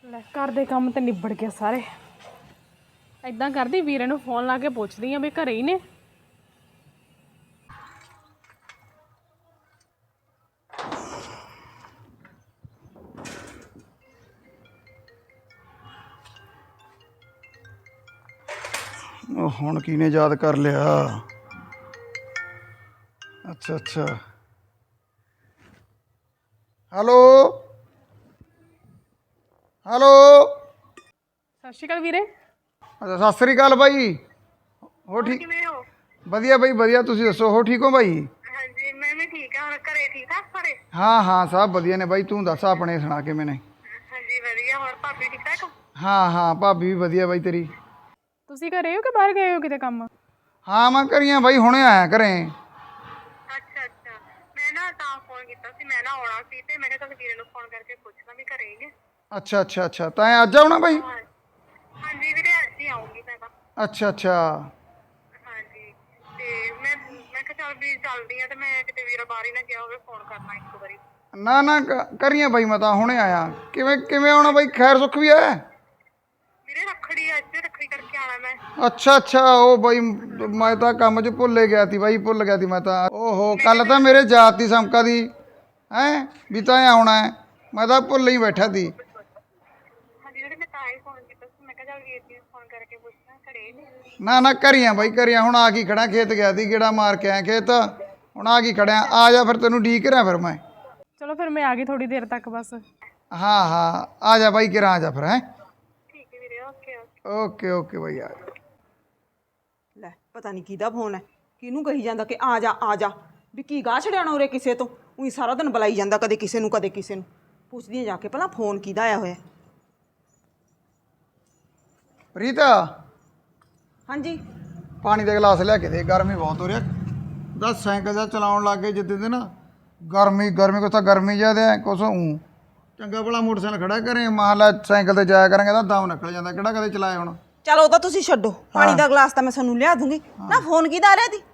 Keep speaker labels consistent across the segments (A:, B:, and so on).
A: ਲੈ ਘਰ ਦੇ ਕੰਮ ਤੇ ਨਿਬੜ ਗਏ ਸਾਰੇ। ਇਦਾਂ ਕਰਦੀ ਵੀਰੇ ਨੂੰ ਫੋਨ ਲਾ ਕੇ ਪੁੱਛਦੀ ਆ ਵੀ ਘਰੇ ਹੀ ਨੇ।
B: ਹੁਣ ਕਿਹਨੇ ਯਾਦ ਕਰ ਲਿਆ? ਅੱਛਾ ਹੈਲੋ ਹੈਲੋ।
A: ਸਤਿ ਸ਼੍ਰੀ ਅਕਾਲ ਵੀਰੇ।
B: ਅੱਛਾ ਸਤਿ ਸ੍ਰੀ ਅਕਾਲ ਬਾਈ। ਹੋ ਠੀਕ?
C: ਕਿਵੇਂ ਹੋ?
B: ਵਧੀਆ ਬਾਈ ਵਧੀਆ, ਤੁਸੀਂ ਦੱਸੋ ਹੋ ਠੀਕ ਹੋ ਬਾਈ?
C: ਹਾਂਜੀ ਮੈਂ ਵੀ ਠੀਕ ਹਾਂ। ਘਰੇ ਠੀਕ ਆ ਸਾਰੇ?
B: ਹਾਂ ਸਭ ਵਧੀਆ ਨੇ ਬਾਈ, ਤੂੰ ਦੱਸ ਆਪਣੇ ਸੁਣਾ ਕਿਵੇਂ ਨੇ?
C: ਹਾਂਜੀ ਵਧੀਆ। ਹੋਰ ਭਾਬੀ ਠੀਕ ਠਾਕ?
B: ਹਾਂ ਭਾਬੀ ਵੀ ਵਧੀਆ ਬਾਈ ਤੇਰੀ।
A: ਤੁਸੀਂ ਘਰੇ ਹੋ ਕਿ ਬਾਹਰ ਗਏ ਹੋ ਕਿਤੇ ਕੰਮ?
B: ਹਾਂ ਮੈਂ ਘਰੀਆਂ ਬਾਈ, ਹੁਣੇ ਆਇਆ ਘਰੇ।
C: ਅੱਛਾ ਮੈਂ ਨਾ ਤਾਂ ਫੋਨ ਕੀਤਾ ਸੀ, ਮੈਂ ਨਾ ਆਉਣਾ ਸੀ ਤੇ ਮੈਂ ਕਿਹਾ ਚੱਲ ਵੀਰੇ ਨੂੰ ਫੋਨ ਕਰਕੇ ਪੁੱਛਣਾ ਵੀ ਘਰੇ ਹੀ ਨੇ।
B: ਅੱਛਾ ਤੈਂ ਅੱਜ ਆਉਣਾ ਬਾਈ?
C: ਹਾਂਜੀ ਵੀਰੇ ਅੱਜ ਹੀ ਆਉਂਗੀ ਮੈਂ ਤਾਂ।
B: ਅੱਛਾ
C: ਹਾਂਜੀ ਤੇ ਮੈਂ ਕਿਹਾ ਚੱਲ ਵੀ ਚੱਲਦੀ ਆ ਤੇ ਮੈਂ ਕਿਤੇ ਵੀਰਾ ਬਾਹਰ ਹੀ ਨਾ ਗਿਆ ਹੋਵੇ, ਫੋਨ ਕਰਨਾ ਇੱਕ ਵਾਰੀ।
B: ਨਾ ਕਰੀਆਂ ਬਾਈ, ਮੈਂ ਤਾਂ ਹੁਣੇ ਆਇਆ। ਕਿਵੇਂ ਆਉਣਾ ਬਾਈ? ਖੈਰ ਸੁੱਖ ਵੀ ਹੈ?
C: ਵੀਰੇ ਰੱਖੜੀ ਅੱਜ ਰੱਖੜੀ ਕਰਕੇ ਆਣਾ ਮੈਂ।
B: ਅੱਛਾ ਉਹ ਬਾਈ ਮੈਂ ਤਾਂ ਕੰਮ 'ਚ ਭੁੱਲ ਗਿਆ ਸੀ ਬਾਈ, ਭੁੱਲ ਗਿਆ ਸੀ ਮੈਂ ਤਾਂ। ਓਹੋ ਕੱਲ ਤਾਂ ਮੇਰੇ ਜਾਤ ਦੀ ਸਮਕਾ ਦੀ ਹੈਂ ਵੀ ਤਾਂ ਆਉਣਾ ਹੈ, ਮੈਂ ਤਾਂ ਭੁੱਲ ਹੀ ਬੈਠਾ ਸੀ।
C: ਹਾਂਜੀ ਵੀਰੇ ਮੈਂ ਤਾਂ ਹੀ ਫੋਨ ਕੀਤਾ ਸੀ, ਮੈਂ ਕਿਹਾ ਚੱਲ ਵੀਰ ਜੀ ਨੂੰ ਫੋਨ ਕਰਕੇ ਪੁੱਛਣਾ ਘਰੇ ਨੇ।
B: ਨਾ ਕਰੀਆਂ ਬਾਈ ਕਰੀਆਂ, ਹੁਣ ਆ ਕੀ ਖੜਾ, ਖੇਤ ਗਿਆ ਸੀ ਗੇੜਾ ਮਾਰ ਕੇ ਆਇਆ ਖੇਤ, ਹੁਣ ਆ ਕੀ ਖੜਿਆ। ਆ ਜਾ ਫਿਰ, ਤੈਨੂੰ ਡੀਕ ਰਿਹਾ ਫਿਰ ਮੈਂ।
A: ਚਲੋ ਫਿਰ ਮੈਂ ਆ ਗਈ ਥੋੜੀ ਦੇਰ ਤੱਕ ਬਸ।
B: ਹਾਂ ਆ ਜਾ ਬਾਈ, ਕਿਰਾਂ ਆ ਜਾ ਫਿਰ। ਹੈਂ
C: ਠੀਕ ਹੈ ਵੀਰੇ,
B: ਓਕੇ ਬਾਈ ਆ ਜਾ।
D: ਲੈ ਪਤਾ ਨਹੀਂ ਕਿਹਦਾ ਫੋਨ ਹੈ, ਕਿਹਨੂੰ ਕਹੀ ਜਾਂਦਾ ਕਿ ਆ ਜਾ ਵੀ ਕੀ ਗਾਹ ਛੜਿਆਣਾ ਉਰੇ ਕਿਸੇ ਤੋਂ। ਉਹੀ ਸਾਰਾ ਦਿਨ ਬੁਲਾਈ ਜਾਂਦਾ, ਕਦੇ ਕਿਸੇ ਨੂੰ ਕਦੇ ਕਿਸੇ ਨੂੰ। ਪੁੱਛਦੀ ਜਾ ਕੇ ਪਹਿਲਾਂ ਫੋਨ ਕਿਹਦਾ ਆਇਆ ਹੋਇਆ।
B: ਪ੍ਰੀਤ
D: ਹਾਂਜੀ
B: ਪਾਣੀ ਦਾ ਗਲਾਸ ਲਿਆ ਕੇ ਦੇ, ਗਰਮੀ ਬਹੁਤ ਹੋ ਰਿਹਾ। ਦੱਸ ਸਾਈਕਲ ਦਾ ਚਲਾਉਣ ਲੱਗ ਗਏ ਜਿੱਦੇ ਦੇ ਨਾ, ਗਰਮੀ ਕੁਛ ਤਾਂ ਗਰਮੀ ਜ਼ਿਆਦਾ ਹੈ, ਕੁਛ ਊਂ ਚੰਗਾ ਭਲਾ ਮੋਟਰਸਾਈਕਲ ਖੜਾ ਕਰੇ, ਮਹਲਾ ਸਾਈਕਲ ਤੇ ਜਾਇਆ ਕਰਾਂਗੇ ਤਾਂ ਦਮ ਨਿਕਲ ਜਾਂਦਾ, ਕਿਹੜਾ ਕਦੇ ਚਲਾਇਆ ਹੁਣ।
D: ਚਲੋ ਉਹ ਤਾਂ ਤੁਸੀਂ ਛੱਡੋ, ਪਾਣੀ ਦਾ ਗਲਾਸ ਤਾਂ ਮੈਂ ਤੁਹਾਨੂੰ ਲਿਆ ਦੂੰਗੀ ਨਾ। ਫੋਨ ਕਿਹਦਾ ਆ ਰਿਹਾ ਸੀ?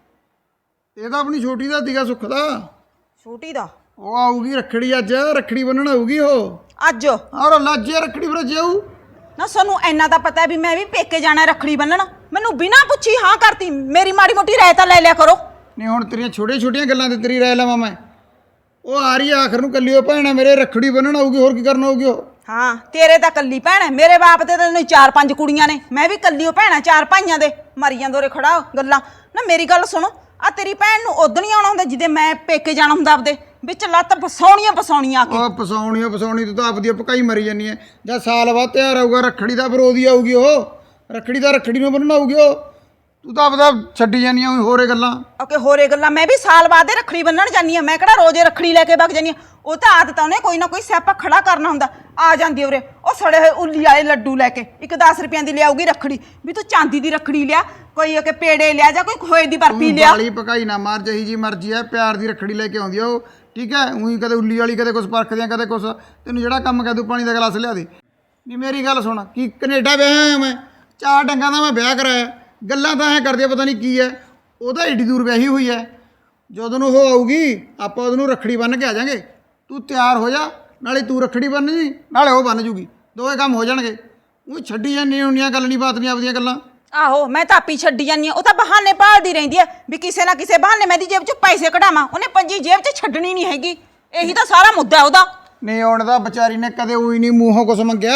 B: ਇਹ ਤਾਂ ਆਪਣੀ ਛੋਟੀ ਦਾ ਸੀਗਾ, ਸੁੱਖ ਦਾ।
D: ਛੋਟੀ ਦਾ?
B: ਉਹ ਆਊਗੀ ਰੱਖੜੀ, ਅੱਜ ਰੱਖੜੀ ਬੰਨਣ ਆਊਗੀ ਉਹ
D: ਅੱਜ?
B: ਔਰ ਲੱਜੇ ਰੱਖੜੀ ਫਿਰ ਜਾਊ
D: ਨਾ ਸਾਨੂੰ ਇੰਨਾ ਤਾਂ ਪਤਾ ਵੀ ਮੈਂ ਵੀ ਪੇਕੇ ਜਾਣਾ ਰੱਖੜੀ ਬੰਨਣ। ਮੈਨੂੰ ਬਿਨਾਂ ਪੁੱਛੀ ਹਾਂ ਕਰਤੀ। ਮੇਰੀ ਮਾੜੀ ਮੋਟੀ ਰਾਇ ਤਾਂ ਲੈ ਲਿਆ ਕਰੋ।
B: ਨਹੀਂ ਹੁਣ ਤੇਰੀਆਂ ਛੋਟੀਆਂ ਗੱਲਾਂ ਤੇ ਤੇਰੀ ਰਾਇ ਲਵਾਂ ਮੈਂ? ਉਹ ਆ ਰਹੀ ਆ ਆਖਰ ਨੂੰ, ਕੱਲੀ ਉਹ ਭੈਣ ਮੇਰੇ ਰੱਖੜੀ ਬੰਨਣ ਆਊਗੀ, ਹੋਰ ਕੀ ਕਰਨ ਆਊਗੀ ਉਹ?
D: ਹਾਂ ਤੇਰੇ ਤਾਂ ਕੱਲੀ ਭੈਣ ਹੈ, ਮੇਰੇ ਬਾਪ ਦੇ ਤਾਂ 4-5 ਕੁੜੀਆਂ ਨੇ। ਮੈਂ ਵੀ ਕੱਲੀ ਉਹ ਭੈਣਾ 4 ਭਾਈਆਂ ਦੇ। ਮਰੀ ਜਾਂਦੇ ਉਰੇ ਖੜਾ ਗੱਲਾਂ ਨਾ। ਮੇਰੀ ਗੱਲ ਸੁਣੋ, ਆ ਤੇਰੀ ਭੈਣ ਨੂੰ ਉਦੋਂ ਨਹੀਂ ਆਉਣਾ ਹੁੰਦਾ ਜਿਹਦੇ ਮੈਂ ਪੇਕੇ ਜਾਣਾ ਹੁੰਦਾ ਆਪਦੇ। ਵਿੱਚ ਲੱਤ ਫਸਾਉਣੀਆਂ ਆ ਕੇ।
B: ਉਹ ਫਸਾਉਣੀ ਤੂੰ ਤਾਂ ਆਪਦੀ ਪਕਾਈ ਮਰੀ ਜਾਨੀ ਹੈ। ਜਾਂ ਸਾਲ ਬਾਅਦ ਤਿਉਹਾਰ ਆਊਗਾ ਰੱਖੜੀ ਦਾ, ਫਿਰ ਉਹਦੀ ਆਊਗੀ ਉਹ ਰੱਖੜੀ ਨੂੰ ਬੰਨਣ ਆਊਗੀ ਉਹ। ਤੂੰ ਤਾਂ ਆਪਦਾ ਛੱਡੀ ਜਾਨੀ ਆ ਹੋਰੇ ਗੱਲਾਂ।
D: ਓਕੇ ਹੋਰੇ ਗੱਲਾਂ? ਮੈਂ ਵੀ ਸਾਲ ਬਾਅਦ ਦੇ ਰੱਖੜੀ ਬੰਨਣ ਜਾਂਦੀ ਆ। ਮੈਂ ਕਿਹੜਾ ਰੋਜ਼ੇ ਰੱਖੜੀ ਲੈ ਕੇ ਵਗ ਜਾਂਦੀ ਆ। ਉਹ ਤਾਂ ਆਦਤ ਉਹਨੇ ਕੋਈ ਨਾ ਕੋਈ ਸਿਆਪਾ ਖੜਾ ਕਰਨਾ ਹੁੰਦਾ। ਆ ਜਾਂਦੀ ਉਰੇ ਉਹ ਸੜੇ ਹੋਏ ਉੱਲੀ ਵਾਲੇ ਲੱਡੂ ਲੈ ਕੇ, ਇੱਕ 10 ਰੁਪਈਆਂ ਦੀ ਲਿਆਊਗੀ ਰੱਖੜੀ। ਵੀ ਤੂੰ ਚਾਂਦੀ ਦੀ ਰੱਖੜੀ ਲਿਆ, ਕੋਈ ਕਿ ਪੇੜੇ ਲਿਆ, ਜਾਂ ਕੋਈ ਖੋਏ ਦੀ ਬਰਫੀ ਲਿਆ।
B: ਵਾਲੀ ਪਕਾਈ ਨਾ ਮਾਰ, ਜਹੀ ਜੀ ਮਰਜ਼ੀ ਹੈ, ਪਿਆਰ ਦੀ ਰੱਖੜੀ ਲੈ ਕੇ ਆਉਂਦੀ ਆ ਉਹ, ਠੀਕ ਹੈ। ਉਹੀ ਕਦੇ ਉੱਲੀ ਵਾਲੀ, ਕਦੇ ਕੁਛ ਪਰਖਦਿਆਂ, ਕਦੇ ਕੁਛ। ਤੈਨੂੰ ਜਿਹੜਾ ਕੰਮ ਕਹਿ ਦੂੰ ਪਾਣੀ ਦਾ ਗਲਾਸ ਲਿਆ ਦੇ। ਨਹੀਂ ਮੇਰੀ ਗੱਲ ਸੁਣ, ਕੀ ਕਨੇਡਾ ਵਿਆਹਿਆ ਮੈਂ? 4 ਡੰਗਾਂ ਦਾ ਮੈਂ ਵਿਆਹ ਕਰਾਇਆ। ਗੱਲਾਂ ਤਾਂ ਐਂ ਕਰਦੇ ਪਤਾ ਨਹੀਂ ਕੀ ਹੈ। ਉਹ ਤਾਂ ਏਡੀ ਦੂਰ ਵਿਆਹੀ ਹੋਈ ਹੈ। ਜਦੋਂ ਨੂੰ ਉਹ ਆਊਗੀ ਆਪਾਂ ਉਹਨੂੰ ਰੱਖੜੀ ਬੰਨ੍ਹ ਕੇ ਆ ਜਾਵਾਂਗੇ। ਤੂੰ ਤਿਆਰ ਹੋ ਜਾ, ਨਾਲੇ ਤੂੰ ਰੱਖੜੀ ਬੰਨ੍ਹ ਜੀ, ਨਾਲੇ ਉਹ ਬੰਨ੍ਹ ਜੂਗੀ, ਦੋਵੇਂ ਕੰਮ ਹੋ ਜਾਣਗੇ। ਉਹ ਛੱਡੀ ਜਾਂਦੀ ਹੁੰਦੀਆਂ ਗੱਲ ਨਹੀਂ ਬਾਤ ਨਹੀਂ ਆਪਦੀਆਂ ਗੱਲਾਂ।
D: ਆਹੋ ਮੈਂ ਤਾਂ ਆਪੀ ਛੱਡੀ ਜਾਂਦੀ ਆ। ਉਹ ਤਾਂ ਬਹਾਨੇ ਭਾਲਦੀ ਰਹਿੰਦੀ ਆ ਵੀ ਕਿਸੇ ਨਾ ਕਿਸੇ ਬਹਾਨੇ ਮੈਂ ਦੀ ਜੇਬ 'ਚ ਪੈਸੇ ਕਢਾਵਾਂ। ਉਹਨੇ ਪੰਜੀ ਜੇਬ 'ਚ ਛੱਡਣੀ ਨਹੀਂ ਹੈਗੀ। ਇਹੀ ਤਾਂ ਸਾਰਾ ਮੁੱਦਾ ਉਹਦਾ।
B: ਨਹੀਂ ਹੁਣ ਤਾਂ ਵਿਚਾਰੀ ਨੇ ਕਦੇ ਉਹੀ ਨਹੀਂ ਮੂੰਹੋਂ ਕੁਛ ਮੰਗਿਆ।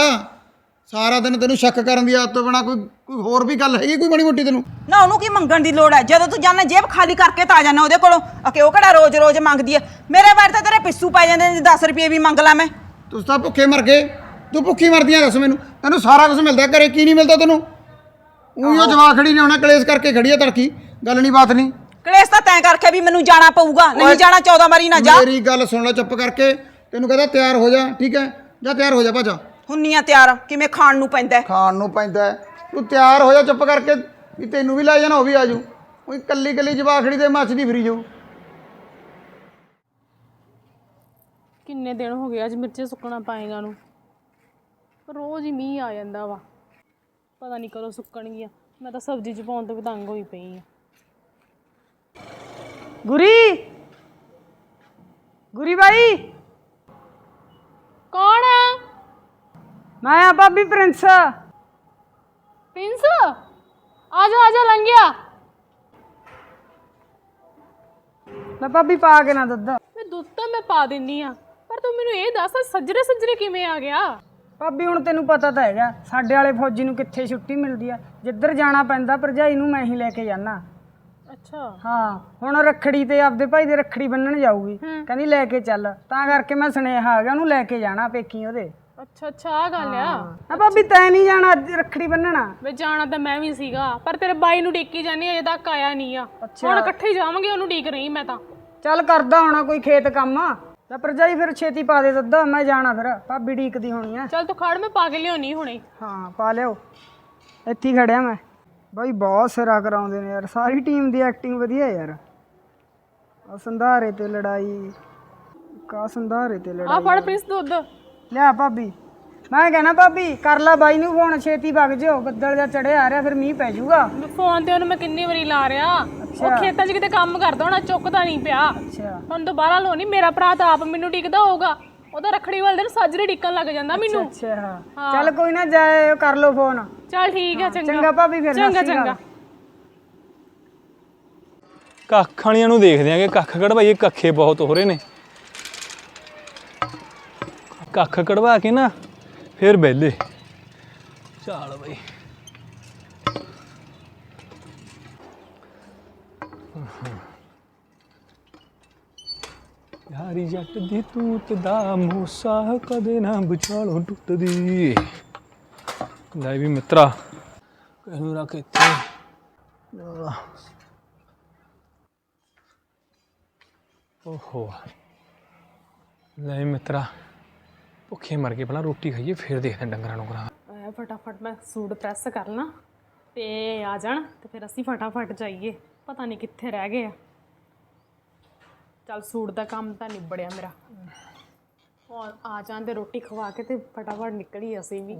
B: ਸਾਰਾ ਦਿਨ ਤੈਨੂੰ ਸ਼ੱਕ ਕਰਨ ਦੀ ਆਦਤ ਤੋਂ ਬਿਨਾਂ ਕੋਈ ਹੋਰ ਵੀ ਗੱਲ ਹੈਗੀ ਕੋਈ ਮਾੜੀ ਮੋਟੀ ਤੈਨੂੰ?
D: ਨਾ ਉਹਨੂੰ ਕੀ ਮੰਗਣ ਦੀ ਲੋੜ ਹੈ? ਜਦੋਂ ਤੂੰ ਜਾਣਾ ਜੇਬ ਖਾਲੀ ਕਰਕੇ ਤਾਂ ਆ ਜਾਣਾ ਉਹਦੇ ਕੋਲੋਂ। ਅਕੇ ਉਹ ਕਿਹੜਾ ਰੋਜ਼ ਮੰਗਦੀ ਹੈ? ਮੇਰੇ ਬਾਰੇ ਤਾਂ ਤੇਰੇ ਪਿੱਸੂ ਪੈ ਜਾਂਦੇ ਨੇ। 10 ਰੁਪਏ ਵੀ ਮੰਗ ਲਾ ਮੈਂ।
B: ਤੁਸੀਂ ਤਾਂ ਭੁੱਖੇ ਮਰ ਗਏ। ਤੂੰ ਭੁੱਖੀ ਮਰਦੀ ਆ? ਦੱਸ ਮੈਨੂੰ, ਤੈਨੂੰ ਸਾਰਾ ਕੁਝ ਮਿਲਦਾ ਘਰੇ, ਕੀ ਨਹੀਂ ਮਿਲਦਾ ਤੈਨੂੰ? ਉਹੀ ਉਹ ਜਵਾਕ ਖੜੀ ਨੇ ਹੋਣਾ, ਕਲੇਸ਼ ਕਰਕੇ ਖੜੀ ਆ ਤੜਕੀ, ਗੱਲ ਨਹੀਂ ਬਾਤ ਨਹੀਂ।
D: ਕਲੇਸ਼ ਤਾਂ ਤੈਂ ਕਰਕੇ ਵੀ ਮੈਨੂੰ ਜਾਣਾ ਪਊਗਾ। ਨਹੀਂ ਜਾਣਾ 14 ਵਾਰੀ ਨਾ ਜਾ।
B: ਮੇਰੀ ਗੱਲ ਸੁਣ ਲੈ ਚੁੱਪ ਕਰਕੇ। ਤੈਨੂੰ ਕਹਿੰਦਾ ਤਿਆਰ ਹੋ ਜਾ, ਠੀਕ ਹੈ? ਜਾਂ ਤਿਆਰ ਹੋ ਜਾ ਭਾਜਾ।
D: ਹੁੰਨੀਆਂ ਤਿਆਰ ਕਿਵੇਂ ਖਾਣ ਨੂੰ ਪੈਂਦਾ?
B: ਖਾਣ ਨੂੰ ਪੈਂਦਾ। ਤੂੰ ਤਿਆਰ ਹੋ ਜਾ ਚੁੱਪ ਕਰਕੇ, ਵੀ ਤੈਨੂੰ ਵੀ ਲੈ ਜਾਣਾ, ਉਹ ਵੀ ਆ ਜਾਊ। ਉਹੀ ਕੱਲੀ ਜਵਾਖੜੀ ਤੇ ਮੱਚਦੀ ਫਿਰੀ ਜਾਊ।
A: ਕਿੰਨੇ ਦਿਨ ਹੋ ਗਏ ਅੱਜ ਮਿਰਚੇ ਸੁੱਕਣਾ ਪਾਏਗਾ ਨੂੰ। ਰੋਜ਼ ਹੀ ਮੀਂਹ ਆ ਜਾਂਦਾ ਵਾ, ਪਤਾ ਨਹੀਂ ਕਦੋਂ ਸੁੱਕਣਗੀਆਂ। ਮੈਂ ਤਾਂ ਸਬਜ਼ੀ 'ਚ ਪਾਉਣ ਤੋਂ ਵੀ ਤੰਗ ਹੋਈ ਪਈ ਆ। ਗੁਰੀ ਬਾਈ। ਕੌਣ ਆ?
E: ਮੈਂ ਆ ਭਾਬੀ ਪ੍ਰਿੰਸ।
A: ਪ੍ਰਿੰਸ ਆ ਜਾ ਲੰਘਿਆ।
E: ਲੈ ਭਾਬੀ ਪਾ ਕੇ ਨਾ ਦੁੱਧ।
A: ਮੈਂ ਦੁੱਧ ਤਾਂ ਮੈਂ ਪਾ ਦਿੰਨੀ ਆ, ਪਰ ਤੂੰ ਮੈਨੂੰ ਇਹ ਦੱਸ ਸੱਜਰੇ ਕਿਵੇਂ ਆ ਗਿਆ?
E: ਭਾਬੀ ਹੁਣ ਤੈਨੂੰ ਪਤਾ ਤਾਂ ਹੈਗਾ ਸਾਡੇ ਵਾਲੇ ਫੌਜੀ ਨੂੰ ਕਿੱਥੇ ਛੁੱਟੀ ਮਿਲਦੀ ਆ, ਜਿੱਧਰ ਜਾਣਾ ਪੈਂਦਾ ਭਰਜਾਈ ਨੂੰ ਮੈਂ ਹੀ ਲੈ ਕੇ ਜਾਣਾ।
A: ਅੱਛਾ
E: ਹਾਂ ਹੁਣ ਰੱਖੜੀ ਤੇ ਆਪਦੇ ਭਾਈ ਦੇ ਰੱਖੜੀ ਬੰਨਣ ਜਾਊਗੀ, ਕਹਿੰਦੀ ਲੈ ਕੇ ਚੱਲ, ਤਾਂ ਕਰਕੇ ਮੈਂ ਸੁਨੇਹਾ ਆ ਗਿਆ ਉਹਨੂੰ ਲੈ ਕੇ ਜਾਣਾ ਪੇਕੀ ਉਹਦੇ।
A: ਅੱਛਾ ਆ ਗੱਲ ਆ।
E: ਆ ਭਾਬੀ ਤੈਂ ਨਹੀਂ ਜਾਣਾ ਅੱਜ ਰੱਖੜੀ ਬੰਨਣਾ?
A: ਵੇ ਜਾਣਾ ਤਾਂ ਮੈਂ ਵੀ ਸੀਗਾ, ਪਰ ਤੇਰੇ ਬਾਈ ਨੂੰ ਡੀਕੀ ਜਾਨੀ ਅਜੇ ਤੱਕ ਆਇਆ ਨਹੀਂ ਆ। ਹੁਣ ਇਕੱਠੇ ਹੀ ਜਾਵਾਂਗੇ, ਉਹਨੂੰ ਡੀਕ ਰਹੀ ਮੈਂ ਤਾਂ।
E: ਚੱਲ ਕਰਦਾ ਹੋਣਾ ਕੋਈ ਖੇਤ ਕੰਮ। ਲੈ ਭਰਜਾਈ ਫਿਰ ਛੇਤੀ ਪਾ ਦੇ ਦੁੱਧ, ਮੈਂ ਜਾਣਾ ਫਿਰ, ਭਾਬੀ ਡੀਕਦੀ ਹੋਣੀ ਆ।
A: ਚੱਲ ਤੂੰ ਖੜ, ਮੈਂ ਪਾ ਕੇ ਲਿਆਉਣੀ ਹੁਣੇ।
E: ਹਾਂ ਪਾ ਲਿਓ, ਇੱਥੇ ਹੀ ਖੜਿਆ ਮੈਂ। ਬਾਈ ਬਹੁਤ ਸਿਰਾ ਕਰਾਉਂਦੇ ਨੇ ਯਾਰ, ਸਾਰੀ ਟੀਮ ਦੀ ਐਕਟਿੰਗ ਵਧੀਆ ਯਾਰ। ਆ ਸੰਧਾਰੇ ਤੇ ਲੜਾਈ, ਕਾ ਸੰਧਾਰੇ ਤੇ
A: ਆ
E: ਲੜਾਈ।
A: ਫੜ ਪ੍ਰਿੰਸ ਦੁੱਧ।
E: ਲਿਆ ਭਾਬੀ, ਮੈਂ ਕਹਿਣਾ ਭਾਬੀ ਕਰ ਲਾ ਬਾਈ ਨੂੰ ਫੋਨ, ਛੇਤੀ ਵਗ ਜਿਓ, ਬੱਦਲ ਜਿਹਾ ਚੜਿਆ ਆ ਰਿਹਾ, ਫਿਰ ਮੀਂਹ ਪੈ ਜਾਊਗਾ।
A: ਫੋਨ ਤੇ ਉਹਨੂੰ ਮੈਂ ਕਿੰਨੀ ਵਾਰੀ ਲਾ ਰਿਹਾ, ਉਹ ਖੇਤਾਂ 'ਚ ਕਿਤੇ ਕੰਮ ਕਰਦਾ ਹੋਣਾ, ਚੁੱਕਦਾ ਨਹੀਂ ਪਿਆ।
E: ਅੱਛਾ
A: ਹੁਣ ਦੁਬਾਰਾ ਲੋ ਨਹੀਂ, ਮੇਰਾ ਭਰਾ ਤਾਂ ਆਪ ਮੈਨੂੰ ਡੀਕਦਾ ਹੋਊਗਾ, ਉਹਦਾ ਰੱਖੜੀ ਵਾਲੇ ਦਿਨ ਸਾਜਰੇ ਡੀਕਣ ਲੱਗ ਜਾਂਦਾ ਮੈਨੂੰ।
E: ਅੱਛਾ ਹਾਂ ਚੱਲ ਕੋਈ ਨਾ, ਜਾਏ ਕਰ ਲੋ ਫੋਨ।
A: ਚੱਲ ਠੀਕ ਹੈ,
E: ਚੰਗਾ ਭਾਬੀ, ਫਿਰ
A: ਚੰਗਾ।
F: ਕੱਖ ਵਾਲੀਆਂ ਨੂੰ ਦੇਖਦੇ ਆਂਗੇ, ਕੱਖ ਕਢਵਾਈਏ, ਕੱਖੇ ਬਹੁਤ ਹੋ ਰਹੇ ਨੇ। ਕੱਖ ਕਢਵਾ ਕੇ ਨਾ ਫਿਰ ਵਿਹਲੇ। ਚੱਲ ਬਈ ਯਾਰੀ ਜੱਟ ਦੀ ਤੂਤ ਦਾ ਮੂਸਾ ਕਦੇ ਨਾ ਵਿਚਾਲੋਂ ਟੁੱਟਦੀ। ਲੈ ਵੀ ਮਿੱਤਰਾ ਇਹਨੂੰ ਰੱਖ ਇੱਥੇ। ਓਹੋ ਲੈ ਮਿੱਤਰਾ ਭੁੱਖੇ ਮਰ ਗਏ, ਪਹਿਲਾਂ ਰੋਟੀ ਖਾਈਏ ਫਿਰ ਦੇਖਦੇ ਹਾਂ ਡੰਗਰਾਂ ਨੂੰ ਕਰਾਂ।
A: ਫਟਾਫਟ ਮੈਂ ਸੂਟ ਪ੍ਰੈਸ ਕਰ ਲਾਂ ਤੇ ਆ ਜਾਣ, ਤੇ ਫਿਰ ਅਸੀਂ ਫਟਾਫਟ ਜਾਈਏ, ਪਤਾ ਨਹੀਂ ਕਿੱਥੇ ਰਹਿ ਗਏ ਆ। ਚੱਲ ਸੂਟ ਦਾ ਕੰਮ ਤਾਂ ਨਿਬੜਿਆ ਮੇਰਾ, ਔਰ ਆ ਜਾਣ ਤੇ ਰੋਟੀ ਖਵਾ ਕੇ ਤੇ ਫਟਾਫਟ ਨਿਕਲੀ ਅਸੀਂ ਵੀ।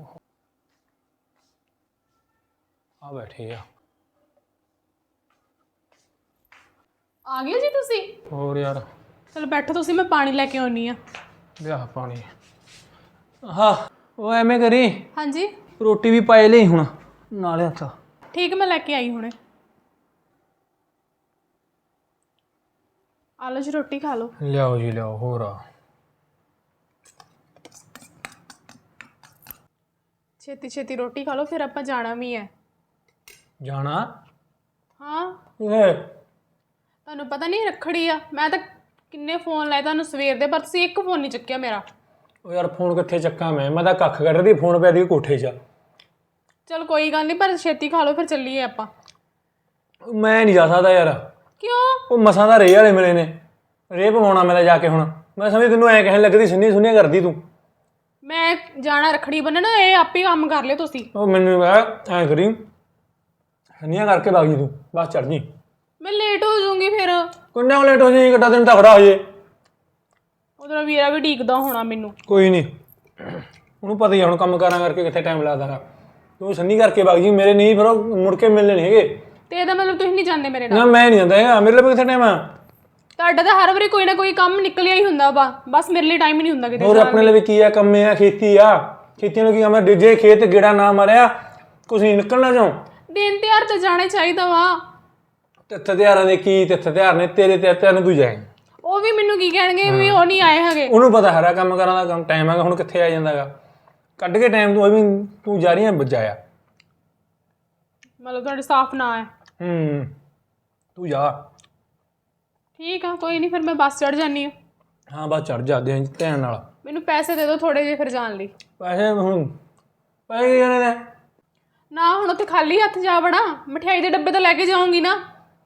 F: ਆ ਬੈਠੇ
A: ਆ ਗਏ ਜੀ ਤੁਸੀਂ?
F: ਹੋਰ ਯਾਰ
A: ਚਲੋ ਬੈਠੋ ਤੁਸੀਂ, ਮੈਂ ਪਾਣੀ ਲੈ ਕੇ ਆਉਣੀ ਆ।
F: ਲਿਆ ਪਾਣੀ। ਹਾਂ ਉਹ ਐਵੇਂ ਕਰੀ,
A: ਹਾਂਜੀ
F: ਰੋਟੀ ਵੀ ਪਾਏ ਲਈ ਹੁਣ ਨਾਲੇ ਹੱਥ।
A: ਠੀਕ, ਮੈਂ ਲੈ ਕੇ ਆਈ ਹੁਣੇ। ਆ ਲਓ ਜੀ, ਰੋਟੀ ਖਾ ਲਓ।
F: ਲਿਆਓ ਜੀ ਲਿਆਓ। ਹੋਰ
A: ਛੇਤੀ ਰੋਟੀ ਖਾ ਲਓ, ਫਿਰ ਆਪਾਂ ਜਾਣਾ ਵੀ ਹੈ।
F: ਜਾਣਾ?
A: ਹਾਂ
F: ਓਏ
A: ਤੁਹਾਨੂੰ ਪਤਾ ਨਹੀਂ ਰੱਖੜੀ ਆ, ਮੈਂ ਤਾਂ ਕਿੰਨੇ ਫੋਨ ਲਾਏ ਤੁਹਾਨੂੰ ਸਵੇਰ ਦੇ, ਪਰ ਤੁਸੀਂ ਇੱਕ ਫੋਨ ਨਹੀਂ ਚੁੱਕਿਆ ਮੇਰਾ।
F: ਉਹ ਯਾਰ ਫੋਨ ਕਿੱਥੇ ਚੱਕਾਂ ਮੈਂ ਤਾਂ ਕੱਖ ਕੱਢ ਰਹੀ, ਫੋਨ ਪਿਆ ਦੀ ਕੋਠੇ 'ਚ।
A: ਚਲ ਕੋਈ ਗੱਲ ਨਹੀਂ, ਪਰ ਛੇਤੀ ਖਾ ਲਓ ਫਿਰ ਚੱਲੀਏ ਆਪਾਂ।
F: ਮੈਂ ਨਹੀਂ ਜਾ ਸਕਦਾ ਯਾਰ।
A: ਕਿਉਂ?
F: ਉਹ ਮਸਾਂ ਦਾ ਰੇਹ ਵਾਲੇ ਮਿਲੇ ਨੇ, ਰੇਹ ਪਵਾਉਣਾ ਮੈਂ ਤਾਂ ਜਾ ਕੇ। ਹੁਣ ਮੈਂ ਸਮਝ ਤੈਨੂੰ ਐਂ ਕਹਿਣ ਲੱਗਦੀ ਸੁਣੀਆਂ ਕਰਦੀ ਤੂੰ।
A: ਮੈਂ ਜਾਣਾ ਰੱਖੜੀ ਬੰਨਣ, ਇਹ ਆਪੇ ਕੰਮ ਕਰ ਲਿਓ ਤੁਸੀਂ।
F: ਉਹ ਮੈਨੂੰ ਐਂ ਕਰੀ ਸੁਣੀਆਂ ਕਰਕੇ ਵਗ ਜੀ ਤੂੰ, ਬਸ ਚੜ ਜੀ।
A: ਮੈਂ ਲੇਟ ਹੋ ਜਾਊਂਗੀ ਫਿਰ।
F: ਕਿੰਨਾ ਲੇਟ ਹੋ ਜਾਈ, ਕਿੱਡਾ ਦਿਨ ਤਾਂ ਖੜਾ ਹੋ ਜੇ।
A: ਉਧਰ ਵੀਰਾ ਵੀ ਢੀਕਦਾ ਹੋਣਾ ਮੈਨੂੰ।
F: ਕੋਈ ਨਹੀਂ, ਉਹਨੂੰ ਪਤਾ ਹੀ ਆ ਹੁਣ ਕੰਮ ਕਾਰਾਂ ਕਰਕੇ ਕਿੱਥੇ ਟਾਈਮ ਲੱਗਦਾ ਗਾ। ਤੂੰ ਸੰਨੀ ਕਰਕੇ ਵਗ ਜੀ, ਮੇਰੇ ਨਹੀਂ ਫਿਰ ਉਹ ਮੁੜ ਕੇ ਮਿਲਣੇ ਨਹੀਂ ਹੈਗੇ।
A: ਤੇ ਇਹਦਾ ਮਤਲਬ ਤੁਸੀਂ ਨਹੀਂ ਜਾਂਦੇ ਮੇਰੇ ਨਾਲ?
F: ਨਾ ਮੈਂ ਨਹੀਂ ਜਾਂਦਾ ਹੈਗਾ, ਮੇਰੇ ਲਈ ਕਿੱਥੇ ਟਾਈਮ ਆ।
A: ਤੁਹਾਡਾ ਤਾਂ ਹਰ ਵਾਰੀ ਕੋਈ ਨਾ ਕੋਈ ਕੰਮ ਨਿਕਲਿਆ ਹੀ ਹੁੰਦਾ ਵਾ, ਬਸ ਮੇਰੇ ਲਈ ਟਾਈਮ ਹੀ ਨਹੀਂ ਹੁੰਦਾ ਕਿਤੇ।
F: ਹੋਰ ਆਪਣੇ ਲਈ ਵੀ ਕੀ ਆ, ਕੰਮ ਆ, ਖੇਤੀ ਆ। ਖੇਤੀਆਂ ਨੂੰ ਕੀ ਕੰਮ ਆ, ਜੇ ਖੇਤ ਗੇੜਾ ਨਾ ਮਾਰਿਆ ਕੁਛ ਨਹੀਂ ਨਿਕਲਣਾ ਚੋਂ।
A: ਦਿਨ ਤਿਉਹਾਰ ਤਾਂ ਜਾਣਾ ਚਾਹੀਦਾ ਵਾ।
F: ਤਿੱਥ ਤਿਉਹਾਰਾਂ ਦੇ ਕੀ ਤਿੱਥ ਤਿਉਹਾਰ ਨੇ, ਤੇਰੇ ਤਿਉਹਾਰ ਨੂੰ ਤੂੰ ਜਾਏ।
A: ਉਹ ਵੀ ਮੈਨੂੰ ਕੀ ਕਹਿਣਗੇ ਵੀ ਉਹ ਨਹੀਂ ਆਏ ਹੈਗੇ।
F: ਉਹਨੂੰ ਪਤਾ ਹਰਾ ਕੰਮ ਕਰਾਂ ਦਾ ਕੰਮ ਟਾਈਮ ਹੈਗਾ, ਹੁਣ ਕਿੱਥੇ ਆ ਜਾਂਦਾ ਹੈਗਾ। ਕੱਢ ਕੇ ਟਾਈਮ ਤੂੰ ਵੀ ਤੂੰ ਜਾ ਰਹੀ ਹੈ ਬਜਾਇਆ।
A: ਮਤਲਬ ਤੁਹਾਡੇ ਸਾਫ਼ ਨਾ ਹੈ।
F: ਤੂੰ ਜਾ।
A: ਠੀਕ ਆ, ਕੋਈ ਨਹੀਂ, ਫਿਰ ਮੈਂ ਬੱਸ ਚੜ ਜਾਨੀ ਆ।
F: ਹਾਂ ਬਸ ਚੜ ਜਾ ਦੇ ਧਿਆਨ ਨਾਲ।
A: ਮੈਨੂੰ ਪੈਸੇ ਦੇ ਦਿਓ ਥੋੜੇ ਜਿਹੇ ਫਿਰ ਜਾਣ ਲਈ।
F: ਪੈਸੇ ਹੁਣ ਪੈਸੇ ਕੀ ਜਾਣੇ ਨੇ?
A: ਨਾ ਹੁਣ ਉੱਥੇ ਖਾਲੀ ਹੱਥ ਜਾ ਵੜਾ, ਮਠਿਆਈ ਦੇ ਡੱਬੇ ਤਾਂ ਲੈ ਕੇ ਜਾਊਂਗੀ ਨਾ।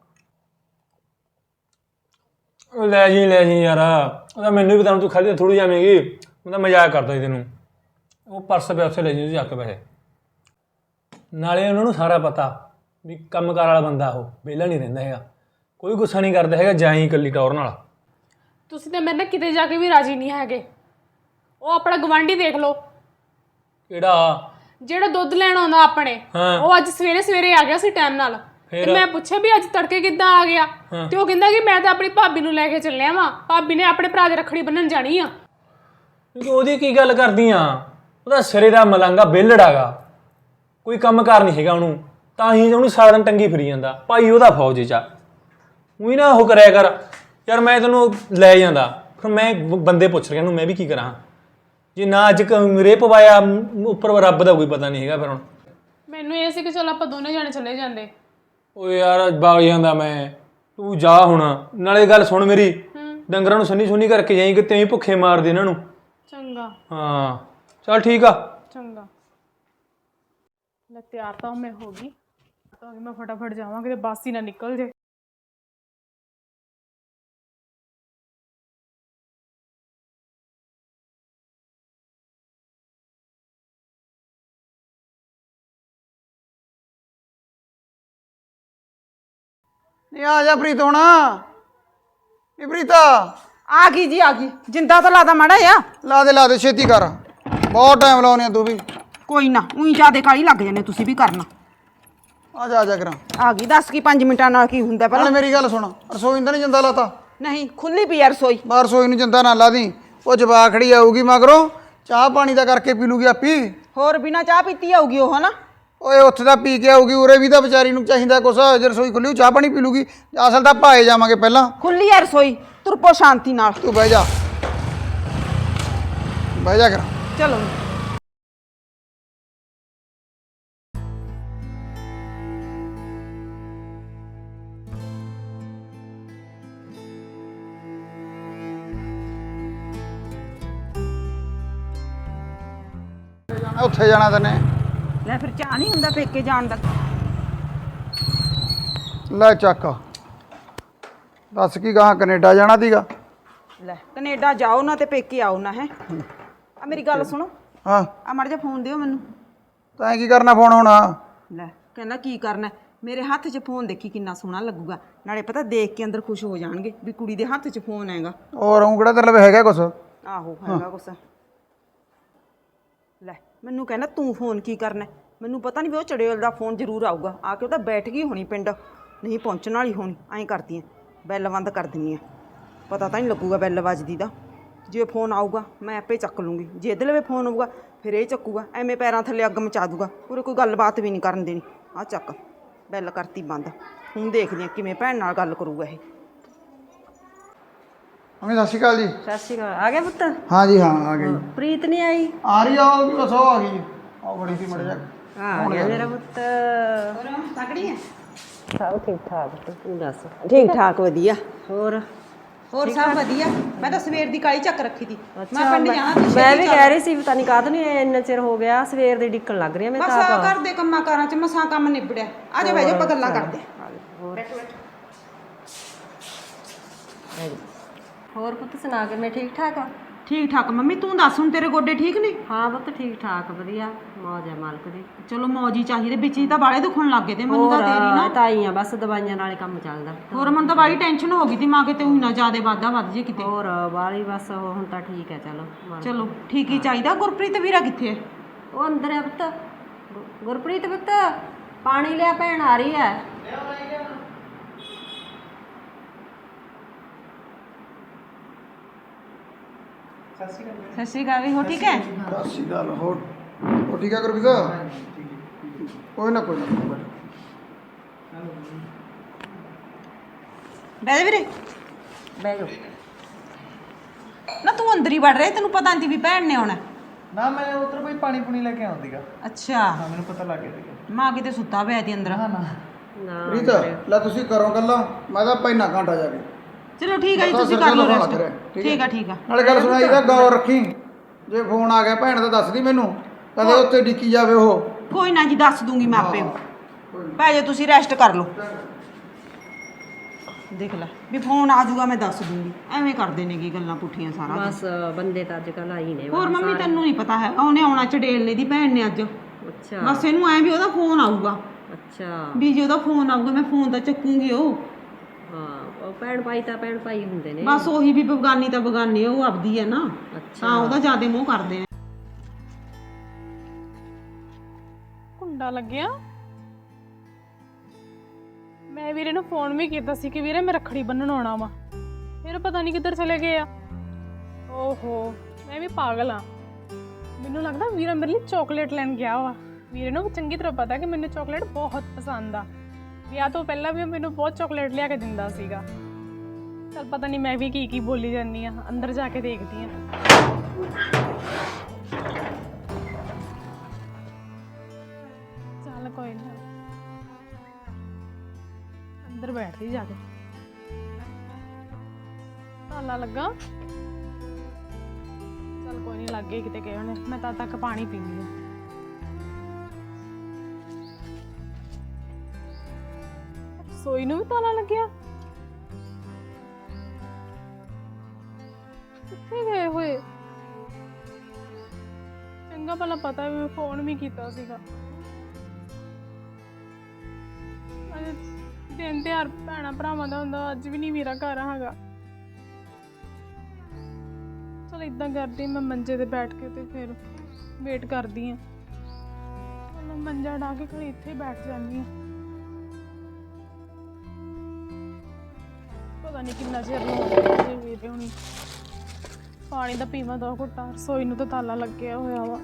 F: ਲੈ ਜੀ ਯਾਰ, ਉਹਦਾ ਮੈਨੂੰ ਵੀ ਤਾਂ ਤੂੰ ਖਾਲੀ ਥੋੜੀ ਜਾਵੇਂਗੀ। ਮੈਂ ਤਾਂ ਮਜ਼ਾਕ ਕਰਦਾ ਸੀ ਤੈਨੂੰ। ਉਹ ਪਰਸ ਪਿਆ ਉੱਥੇ ਲੈ ਜੀ ਜਾ ਕੇ ਪੈਸੇ। ਨਾਲੇ ਉਹਨਾਂ ਨੂੰ ਸਾਰਾ ਪਤਾ ਵੀ ਕੰਮਕਾਰ ਵਾਲਾ ਬੰਦਾ, ਉਹ ਵਿਹਲਾ ਨਹੀਂ ਰਹਿੰਦਾ ਹੈਗਾ, ਕੋਈ ਗੁੱਸਾ ਨਹੀਂ ਕਰਦਾ ਹੈਗਾ। ਜਾਈ ਇਕੱਲੀ ਟੌਰ ਨਾਲ।
A: ਤੁਸੀਂ ਤਾਂ ਮੇਰੇ ਨਾਲ ਕਿਤੇ ਜਾ ਕੇ ਵੀ ਰਾਜੀ ਨਹੀਂ ਹੈਗੇ। ਉਹ ਆਪਣਾ ਗਵਾਂਢੀ ਦੇਖ ਲਓ,
F: ਕਿਹੜਾ?
A: ਜਿਹੜਾ ਦੁੱਧ ਲੈਣ ਆਉਂਦਾ ਆਪਣੇ। ਉਹ ਅੱਜ ਸਵੇਰੇ ਆ ਗਿਆ ਸੀ ਟਾਈਮ ਨਾਲ, ਤੇ ਮੈਂ ਪੁੱਛਿਆ ਵੀ ਅੱਜ ਤੜਕੇ ਕਿੱਦਾਂ ਆ ਗਿਆ, ਤੇ ਉਹ ਕਹਿੰਦਾ ਕਿ ਮੈਂ ਤਾਂ ਆਪਣੀ ਭਾਬੀ ਨੂੰ ਲੈ ਕੇ ਚੱਲਿਆ ਵਾਂ, ਭਾਬੀ ਨੇ ਆਪਣੇ ਭਰਾ ਦੇ ਰੱਖੜੀ ਬੰਨਣ ਜਾਣੀ ਆ।
F: ਉਹਦੀ ਕੀ ਗੱਲ ਕਰਦੀ ਆ? ਉਹਦਾ ਸਿਰੇ ਦਾ ਮਲੰਗਾ ਵਿਹਲੜਾਗਾ, ਕੋਈ ਕੰਮ ਕਾਰ ਨਹੀਂ ਹੈਗਾ ਉਹਨੂੰ, ਤਾਂ ਹੀ ਉਹਨੂੰ ਸਾਰਾ ਦਿਨ ਟੰਗੀ ਫਿਰੀ ਜਾਂਦਾ। ਭਾਈ ਉਹਦਾ ਫੌਜ 'ਚ ਆ, ਉਹੀ ਨਾ ਉਹ ਕਰਿਆ ਕਰ ਯਾਰ। ਮੈਂ ਤੈਨੂੰ ਲੈ ਜਾਂਦਾ, ਫਿਰ ਮੈਂ ਬੰਦੇ ਪੁੱਛ ਰਿਹਾ ਨੂੰ ਮੈਂ ਵੀ ਕੀ ਕਰਾਂ ਜੇ ਨਾ ਅੱਜ ਰੇ ਪਵਾਇਆ ਉੱਪਰ ਰੱਬ ਦਾ ਕੋਈ ਪਤਾ ਨਹੀਂ ਹੈਗਾ। ਫਿਰ ਹੁਣ
A: ਮੈਨੂੰ ਇਹ ਸੀ ਕਿ ਚਲ ਆਪਾਂ ਦੋਨੇ ਜਾਣੇ ਚਲੇ ਜਾਂਦੇ।
F: ਓਏ ਯਾਰ ਬਾਗ ਜਾਂਦਾ ਮੈਂ, ਤੂੰ ਜਾ ਹੁਣ। ਨਾਲੇ ਗੱਲ ਸੁਣ ਮੇਰੀ, ਡੰਗਰਾਂ ਨੂੰ ਸੰਨੀ ਸੁੰਨੀ ਕਰਕੇ ਜਾਈਂ ਕਿ ਤੈਂ ਭੁੱਖੇ ਮਾਰ ਦੇ ਇਹਨਾਂ ਨੂੰ।
A: ਚੰਗਾ।
F: ਹਾਂ ਚੱਲ ਠੀਕ ਆ।
A: ਚੰਗਾ। ਲੈ ਤਿਆਰ ਤਾਂ ਮੈਂ ਹੋ ਗਈ, ਤਾਂ ਮੈਂ ਫਟਾਫਟ ਜਾਵਾਂ ਕਿਤੇ ਬੱਸ ਹੀ ਨਾ ਨਿਕਲ ਜੇ।
B: ਨਹੀਂ ਆ ਜਾ ਪ੍ਰੀਤ ਹੁਣ। ਨੀ ਪ੍ਰੀਤਾ
D: ਆ ਗਈ ਜੀ, ਆ ਗਈ। ਜਿੰਦਾ ਤਾਂ ਲਾਦਾ ਮਾੜਾ ਆ।
B: ਲਾ ਦੇ ਛੇਤੀ ਕਰ, ਬਹੁਤ ਟਾਈਮ ਲਾਉਨੇ ਆ ਤੂੰ ਵੀ।
D: ਕੋਈ ਨਾ, ਉਹੀ ਜਿਆਦੇ ਕਾਲੀ ਲੱਗ ਜਾਂਦੇ ਤੁਸੀਂ ਵੀ ਕਰਨਾ।
B: ਆ ਜਾ ਕਰਾਂ।
D: ਆ ਗਈ, ਦੱਸ ਕੀ 5 ਮਿੰਟਾਂ ਨਾਲ ਕੀ ਹੁੰਦਾ
B: ਨਾਲੇ
D: ਪਹਿਲਾਂ।
B: ਮੇਰੀ ਗੱਲ ਸੁਣ, ਰਸੋਈ ਤਾਂ ਨਹੀਂ ਜਿੰਦਾ ਲਾਤਾ?
D: ਨਹੀਂ, ਖੁੱਲੀ ਪਈ ਆ ਰਸੋਈ।
B: ਬਾਹਰ ਰਸੋਈ ਨੂੰ ਜਿੰਦਾ ਨਾ ਲਾ ਦੀ, ਉਹ ਜਵਾਕ ਖੜੀ ਆਊਗੀ ਮਗਰੋਂ, ਚਾਹ ਪਾਣੀ ਦਾ ਕਰਕੇ ਪੀ ਲੂਗੀ ਆਪੀ।
D: ਹੋਰ ਬਿਨਾ ਚਾਹ ਪੀਤੀ ਆਊਗੀ ਉਹ, ਹਨਾ?
B: ਓਏ ਉੱਥੇ ਤਾਂ ਪੀ ਕੇ ਆਊਗੀ, ਉਰੇ ਵੀ ਤਾਂ ਵਿਚਾਰੀ ਨੂੰ ਚਾਹੀਦਾ ਕੁਛ। ਜੇ ਰਸੋਈ ਖੁੱਲੀ ਚਾਹ ਪਾਣੀ ਪੀ ਲੂਗੀ। ਅਸਲ ਤਾਂ ਭਾਏ ਜਾਵਾਂਗੇ ਪਹਿਲਾਂ।
D: ਖੁੱਲੀ ਆ ਰਸੋਈ, ਤੁਰਪੋ ਸ਼ਾਂਤੀ ਨਾਲ।
B: ਤੂੰ ਬਹਿ ਜਾ ਕਰ।
D: ਚਲੋ।
B: ਉੱਥੇ ਜਾਣਾ ਤੈਨੇ।
D: ਲੈ ਫਿਰ ਚਾਹ ਨਹੀਂ ਹੁੰਦਾ ਪੇਕੇ ਜਾਣ ਦਾ?
B: ਲੈ ਚੱਕ, ਦੱਸ ਕੀ ਗਾਹਾਂ ਕੈਨੇਡਾ ਜਾਣਾ ਸੀਗਾ?
D: ਲੈ ਕੈਨੇਡਾ ਜਾਓ ਨਾ ਤੇ ਪੇਕੇ ਆਓ ਨਾ। ਹੈ ਆ ਮੇਰੀ ਗੱਲ ਸੁਣੋ,
B: ਹਾਂ
D: ਆ ਮੜ ਜਾ ਫੋਨ ਦਿਓ ਮੈਨੂੰ।
B: ਤੈਂ ਕੀ ਕਰਨਾ ਫੋਨ ਹੁਣ?
D: ਲੈ ਕਹਿੰਦਾ ਕੀ ਕਰਨਾ, ਮੇਰੇ ਹੱਥ 'ਚ ਫੋਨ ਦੇਖੀ ਕਿੰਨਾ ਸੋਹਣਾ ਲੱਗੂਗਾ। ਨਾਲੇ ਪਤਾ ਦੇਖ ਕੇ ਅੰਦਰ ਖੁਸ਼ ਹੋ ਜਾਣਗੇ ਵੀ ਕੁੜੀ ਦੇ ਹੱਥ 'ਚ ਫੋਨ ਹੈਗਾ।
B: ਹੋਰ ਉਹ ਕਿਹੜਾ ਤੇਰੇ ਲਵੇ ਹੈਗਾ ਕੁਛ?
D: ਆਹੋ ਹੈਗਾ ਕੁਛ। ਲੈ ਮੈਨੂੰ ਕਹਿੰਦਾ ਤੂੰ ਫੋਨ ਕੀ ਕਰਨਾ? ਮੈਨੂੰ ਪਤਾ ਨਹੀਂ ਵੀ ਉਹ ਚੜੇਲ ਦਾ ਫੋਨ ਜ਼ਰੂਰ ਆਊਗਾ। ਆ ਕੇ ਉਹ ਤਾਂ ਬੈਠ ਗਈ ਹੋਣੀ ਪਿੰਡ, ਨਹੀਂ ਪਹੁੰਚਣ ਵਾਲੀ ਹੋਣੀ। ਐਂ ਕਰਦੀ ਆ, ਬੈਲ ਬੰਦ ਕਰ ਦਿੰਦੀ ਆ, ਪਤਾ ਤਾਂ ਨਹੀਂ ਲੱਗੂਗਾ ਬੈਲ ਵੱਜਦੀ ਦਾ। ਜੇ ਫੋਨ ਆਊਗਾ ਮੈਂ ਆਪੇ ਚੱਕ ਲੂੰਗੀ, ਜੇ ਇਹਦੇ ਲਵੇ ਫੋਨ ਆਊਗਾ ਫਿਰ ਇਹ ਚੱਕੂਗਾ। ਐਵੇਂ ਪੈਰਾਂ ਥੱਲੇ ਅੱਗ ਮਚਾ ਦੂਗਾ, ਪੂਰੇ ਕੋਈ ਗੱਲਬਾਤ ਵੀ ਨਹੀਂ ਕਰਨ ਦੇਣੀ। ਆ ਚੱਕ, ਬੈਲ ਕਰਤੀ ਬੰਦ। ਹੁਣ ਦੇਖਦੀ ਆ ਕਿਵੇਂ ਭੈਣ ਨਾਲ ਗੱਲ ਕਰੂਗਾ ਇਹ।
B: ਮੰਮੀ ਸਤਿ ਸ਼੍ਰੀ ਅਕਾਲ ਜੀ।
G: ਸਤਿ ਸ਼੍ਰੀ ਅਕਾਲ। ਆ ਗਿਆ ਪੁੱਤ?
B: ਹਾਂ ਜੀ ਹਾਂ ਆ ਗਈ।
G: ਪ੍ਰੀਤ ਨਹੀਂ ਆਈ?
B: ਆ ਰਹੀ ਆ ਉਹ ਵੀ, ਬਸ ਉਹ ਆ ਗਈ। ਆਹ ਬੜੀ ਸੀ ਮੜ ਜਾ।
G: ਆ ਗਿਆ ਮੇਰਾ ਪੁੱਤ।
D: ਤਕੜੀ ਹੈ?
G: ਸਭ ਠੀਕ ਠਾਕ ਪੁੱਤ, ਤੂੰ ਦੱਸ?
D: ਠੀਕ ਠਾਕ, ਵਧੀਆ।
G: ਹੋਰ
D: ਸਭ ਵਧੀਆ। ਮੈਂ ਤਾਂ ਸਵੇਰ ਦੀ ਕਾਲੀ ਚੱਕ ਰੱਖੀ ਤੀ, ਮੈਂ ਪਿੰਡ ਜਾਣਾ ਸੀ।
G: ਮੈਂ ਵੀ ਕਹਿ ਰਹੀ ਸੀ ਪਤਾ ਨਹੀਂ ਕਾਹਦੋਂ ਨਹੀਂ ਇੰਨਾ ਚਿਰ ਹੋ ਗਿਆ, ਸਵੇਰ ਦੀ ਡਿੱਕਣ ਲੱਗ ਰਹੀ ਆ ਮੈਂ
D: ਬਸ
G: ਤਾਂ।
D: ਘਰ ਦੇ ਕੰਮਾਂ ਕਾਰਾਂ 'ਚ ਮਸਾਂ ਕੰਮ ਨਿਬੜਿਆ। ਆ ਜਾ ਬਹਿ ਜਾ, ਆਪਾਂ ਗੱਲਾਂ ਕਰਦੇ ਆਂ।
G: ਹੋਰ ਪੁੱਤ ਸੁਣਾ ਕੇ ਮੈਂ ਠੀਕ ਠਾਕ ਆ?
D: ਠੀਕ ਠਾਕ ਮੰਮੀ, ਤੂੰ ਦੱਸ ਹੁਣ ਤੇਰੇ ਗੋਡੇ ਠੀਕ ਨੇ?
G: ਹਾਂ ਪੁੱਤ ਠੀਕ ਠਾਕ, ਵਧੀਆ, ਮੌਜ ਹੈ ਮਾਲਕ ਦੀ।
D: ਚਲੋ ਮੌਜ ਹੀ ਚਾਹੀਦੀ, ਵਿੱਚ ਹੀ ਤਾਂ ਬਾਲੇ ਦੁਖਣ ਲੱਗ ਗਏ ਤੇ ਮੈਨੂੰ ਤਾਂ ਤੇਰੀ ਨਾ।
G: ਤਾਂ ਹੀ ਆ, ਬਸ ਦਵਾਈਆਂ ਨਾਲ ਹੀ ਕੰਮ ਚੱਲਦਾ।
D: ਹੋਰ ਮੈਨੂੰ ਤਾਂ ਬਾਲੀ ਟੈਨਸ਼ਨ ਹੋ ਗਈ ਤੀ, ਮਾਂ ਕਿਤੇ ਉਹੀ ਨਾ ਜ਼ਿਆਦਾ ਵਾਧਾ ਵੱਧ ਜੇ ਕਿਤੇ।
G: ਹੋਰ ਬਾਲੀ ਬਸ ਹੁਣ ਤਾਂ ਠੀਕ ਹੈ।
D: ਚਲੋ ਠੀਕ ਹੀ ਚਾਹੀਦਾ। ਗੁਰਪ੍ਰੀਤ ਵੀਰਾ ਕਿੱਥੇ ਹੈ?
G: ਉਹ ਅੰਦਰ ਹੈ ਪੁੱਤ। ਗੁਰਪ੍ਰੀਤ ਪੁੱਤ ਪਾਣੀ ਲਿਆ, ਭੈਣ ਆ ਰਹੀ ਹੈ।
D: ਸਤਿ ਸ਼੍ਰੀ ਅਕਾਲ ਵੀ, ਹੋ ਠੀਕ ਹੈ?
B: ਸਤਿ ਸ਼੍ਰੀ ਅਕਾਲ। ਹੋਰ ਉਹ ਠੀਕ ਆ ਗੁਰਪ੍ਰੀਤ? ਕੋਈ ਨਾ
D: ਬਹਿ ਜਾ ਵੀਰੇ।
G: ਬਹਿ ਜਾਓ।
D: ਨਾ ਤੂੰ ਅੰਦਰ ਹੀ ਵੜ ਰਿਹਾ, ਤੈਨੂੰ ਪਤਾ ਨਹੀਂ ਵੀ ਭੈਣ ਨੇ ਆਉਣਾ?
H: ਨਾ ਮੈਂ ਉਧਰ ਕੋਈ ਪਾਣੀ ਪੂਣੀ ਲੈ ਕੇ ਆਉਂਦੀਗਾ।
D: ਅੱਛਾ,
H: ਹਾਂ ਮੈਨੂੰ ਪਤਾ ਲੱਗ ਗਿਆ ਸੀਗਾ।
D: ਮਾਂ ਕਿਤੇ ਸੁੱਤਾ ਪਿਆ ਤੀ ਅੰਦਰ।
G: ਨਾ
B: ਪ੍ਰੀਤ ਲੈ ਤੁਸੀਂ ਕਰੋ ਗੱਲਾਂ, ਮੈਂ ਤਾਂ ਪੈਨਾ ਘੰਟਾ ਜਾ ਕੇ।
D: ਚਲੋ ਠੀਕ ਹੈ ਜੀ,
B: ਪਤਾ
D: ਤੁਸੀਂ
B: ਸਿਰ
D: ਕਰ ਲਓ
B: ਦੁਖਣ
D: ਰੈਸਟ।
B: ਲੱਗ ਰਿਹਾ,
D: ਠੀਕ ਆ ਠੀਕ ਆ।
B: ਨਾਲੇ ਗੱਲ ਸੁਣਾਈ ਦਾ ਗੌਰ ਰੱਖੀ, ਜੇ ਫੋਨ ਆ ਗਿਆ ਭੈਣ ਦਾ ਦੱਸਦੀ ਮੈਨੂੰ, ਕਦੇ ਉੱਥੇ ਡਿੱਕੀ ਜਾਵੇ ਉਹ।
D: ਕੋਈ ਨਾ ਜੀ, ਦੱਸ ਦੂੰਗੀ ਮੈਂ ਆਪੇ। ਪੈ ਜਾ ਤੁਸੀਂ ਰੈਸਟ ਕਰ ਲਓ। ਦੇਖ ਲੈ ਵੀ ਫੋਨ ਆ ਜਾਊਗਾ ਮੈਂ ਦੱਸ ਦੂੰਗੀ। ਐਵੇਂ ਕਰਦੇ ਨੇ ਕੀ ਗੱਲਾਂ ਪੁੱਠੀਆਂ ਸਾਰਾ ਦਿਨ।
G: ਬਸ ਬੰਦੇ ਤਾਂ ਅੱਜ ਕੱਲ੍ਹ ਆਈ ਨੇ।
D: ਹੋਰ ਮੰਮੀ ਤੈਨੂੰ ਨਹੀਂ ਪਤਾ ਹੈਗਾ, ਉਹਨੇ ਆਉਣਾ ਚੜੇਲ ਦੀ ਭੈਣ ਨੇ ਅੱਜ।
G: ਅੱਛਾ
D: ਬਸ ਇਹਨੂੰ ਐ ਵੀ ਉਹਦਾ ਫੋਨ ਆਊਗਾ,
G: ਅੱਛਾ।
D: ਵੀ ਜੇ ਉਹਦਾ ਫੋਨ ਆਊਗਾ ਮੈਂ ਫੋਨ ਤਾਂ ਚੱਕੂਗੀ ਉਹ।
G: ਹਾਂ ਉਹ ਭੈਣ ਭਾਈ ਤਾਂ ਭੈਣ ਭਾਈ ਹੁੰਦੇ ਨੇ।
D: ਬਸ ਉਹੀ ਵੀ ਬਗਾਨੀ ਤਾਂ ਬਗਾਨੀ, ਉਹ ਆਪਦੀ ਹੈ ਨਾ,
G: ਅੱਛਾ
D: ਤਾਂ ਉਹਦਾ ਜ਼ਿਆਦਾ ਮੋਹ ਕਰਦੇ ਨੇ।
A: ਕੁੰਡਾ ਲੱਗਿਆ। ਮੈਂ ਵੀਰੇ ਨੂੰ ਫੋਨ ਵੀ ਕੀਤਾ ਸੀ ਕਿ ਵੀਰੇ ਮੈਂ ਰੱਖੜੀ ਬੰਨਣ ਆਉਣਾ ਵਾ, ਫਿਰ ਪਤਾ ਨਹੀਂ ਕਿੱਧਰ ਚਲੇ ਗਏ ਆ। ਓਹੋ ਮੈਂ ਵੀ ਪਾਗਲ ਆ, ਮੈਨੂੰ ਲੱਗਦਾ ਵੀਰਾ ਮੇਰੇ ਲਈ ਚਾਕਲੇਟ ਲੈਣ ਗਿਆ ਵਾ। ਵੀਰੇ ਨੂੰ ਚੰਗੀ ਤਰ੍ਹਾਂ ਪਤਾ ਕਿ ਮੈਨੂੰ ਚਾਕਲੇਟ ਬਹੁਤ ਪਸੰਦ ਆ। ਵਿਆਹ ਤੋਂ ਪਹਿਲਾਂ ਵੀ ਉਹ ਮੈਨੂੰ ਬਹੁਤ ਚਾਕਲੇਟ ਲਿਆ ਕੇ ਦਿੰਦਾ ਸੀਗਾ। ਚੱਲ ਪਤਾ ਨਹੀਂ ਮੈਂ ਵੀ ਕੀ ਬੋਲੀ ਜਾਂਦੀ ਆ, ਅੰਦਰ ਜਾ ਕੇ ਦੇਖਦੀ ਆ। ਚੱਲ ਕੋਈ ਨਾ, ਅੰਦਰ ਬੈਠਦੀ ਜਾ ਕੇ। ਤਾਲਾ ਲੱਗਾ? ਚੱਲ ਕੋਈ ਨਹੀਂ, ਲੱਗ ਗਏ ਕਿਤੇ ਗਏ ਹੋਣੇ। ਮੈਂ ਤਦ ਤੱਕ ਪਾਣੀ ਪੀਂਦੀ ਆ। ਰਸੋਈ ਨੂੰ ਵੀ ਤਾਲਾ ਲੱਗਿਆ? ਕਿੱਥੇ ਗਏ ਹੋਏ? ਚੰਗਾ ਭਲਾ ਪਤਾ ਵੀ ਮੈਂ ਫੋਨ ਵੀ ਕੀਤਾ ਸੀਗਾ। ਅੱਜ ਦਿਨ ਤਿਉਹਾਰ ਭੈਣਾਂ ਭਰਾਵਾਂ ਦਾ ਹੁੰਦਾ, ਅੱਜ ਵੀ ਨਹੀਂ ਵੀਰਾ ਘਰ ਹੈਗਾ। ਚਲ ਇਦਾਂ ਕਰਦੀ, ਮੈਂ ਮੰਜੇ ਤੇ ਬੈਠ ਕੇ ਤੇ ਫਿਰ ਵੇਟ ਕਰਦੀ ਆ। ਮੈਂ ਮੰਜਾ ਢਾ ਕੇ ਖੜੀ ਇੱਥੇ ਬੈਠ ਜਾਂਦੀ ਆ। ਪਤਾ ਨਹੀਂ ਕਿੰਨਾ ਚਿਰ ਹੋ ਗਿਆ ਜੇ ਵੀਰੇ ਹੁਣੀ। ਪਾਣੀ ਦਾ ਪੀਵਾਂ 2 ਘੁੱਟਾਂ। ਰਸੋਈ ਨੂੰ ਤਾਂ ਤਾਲਾ ਲੱਗਿਆ ਹੋਇਆ ਵਾ।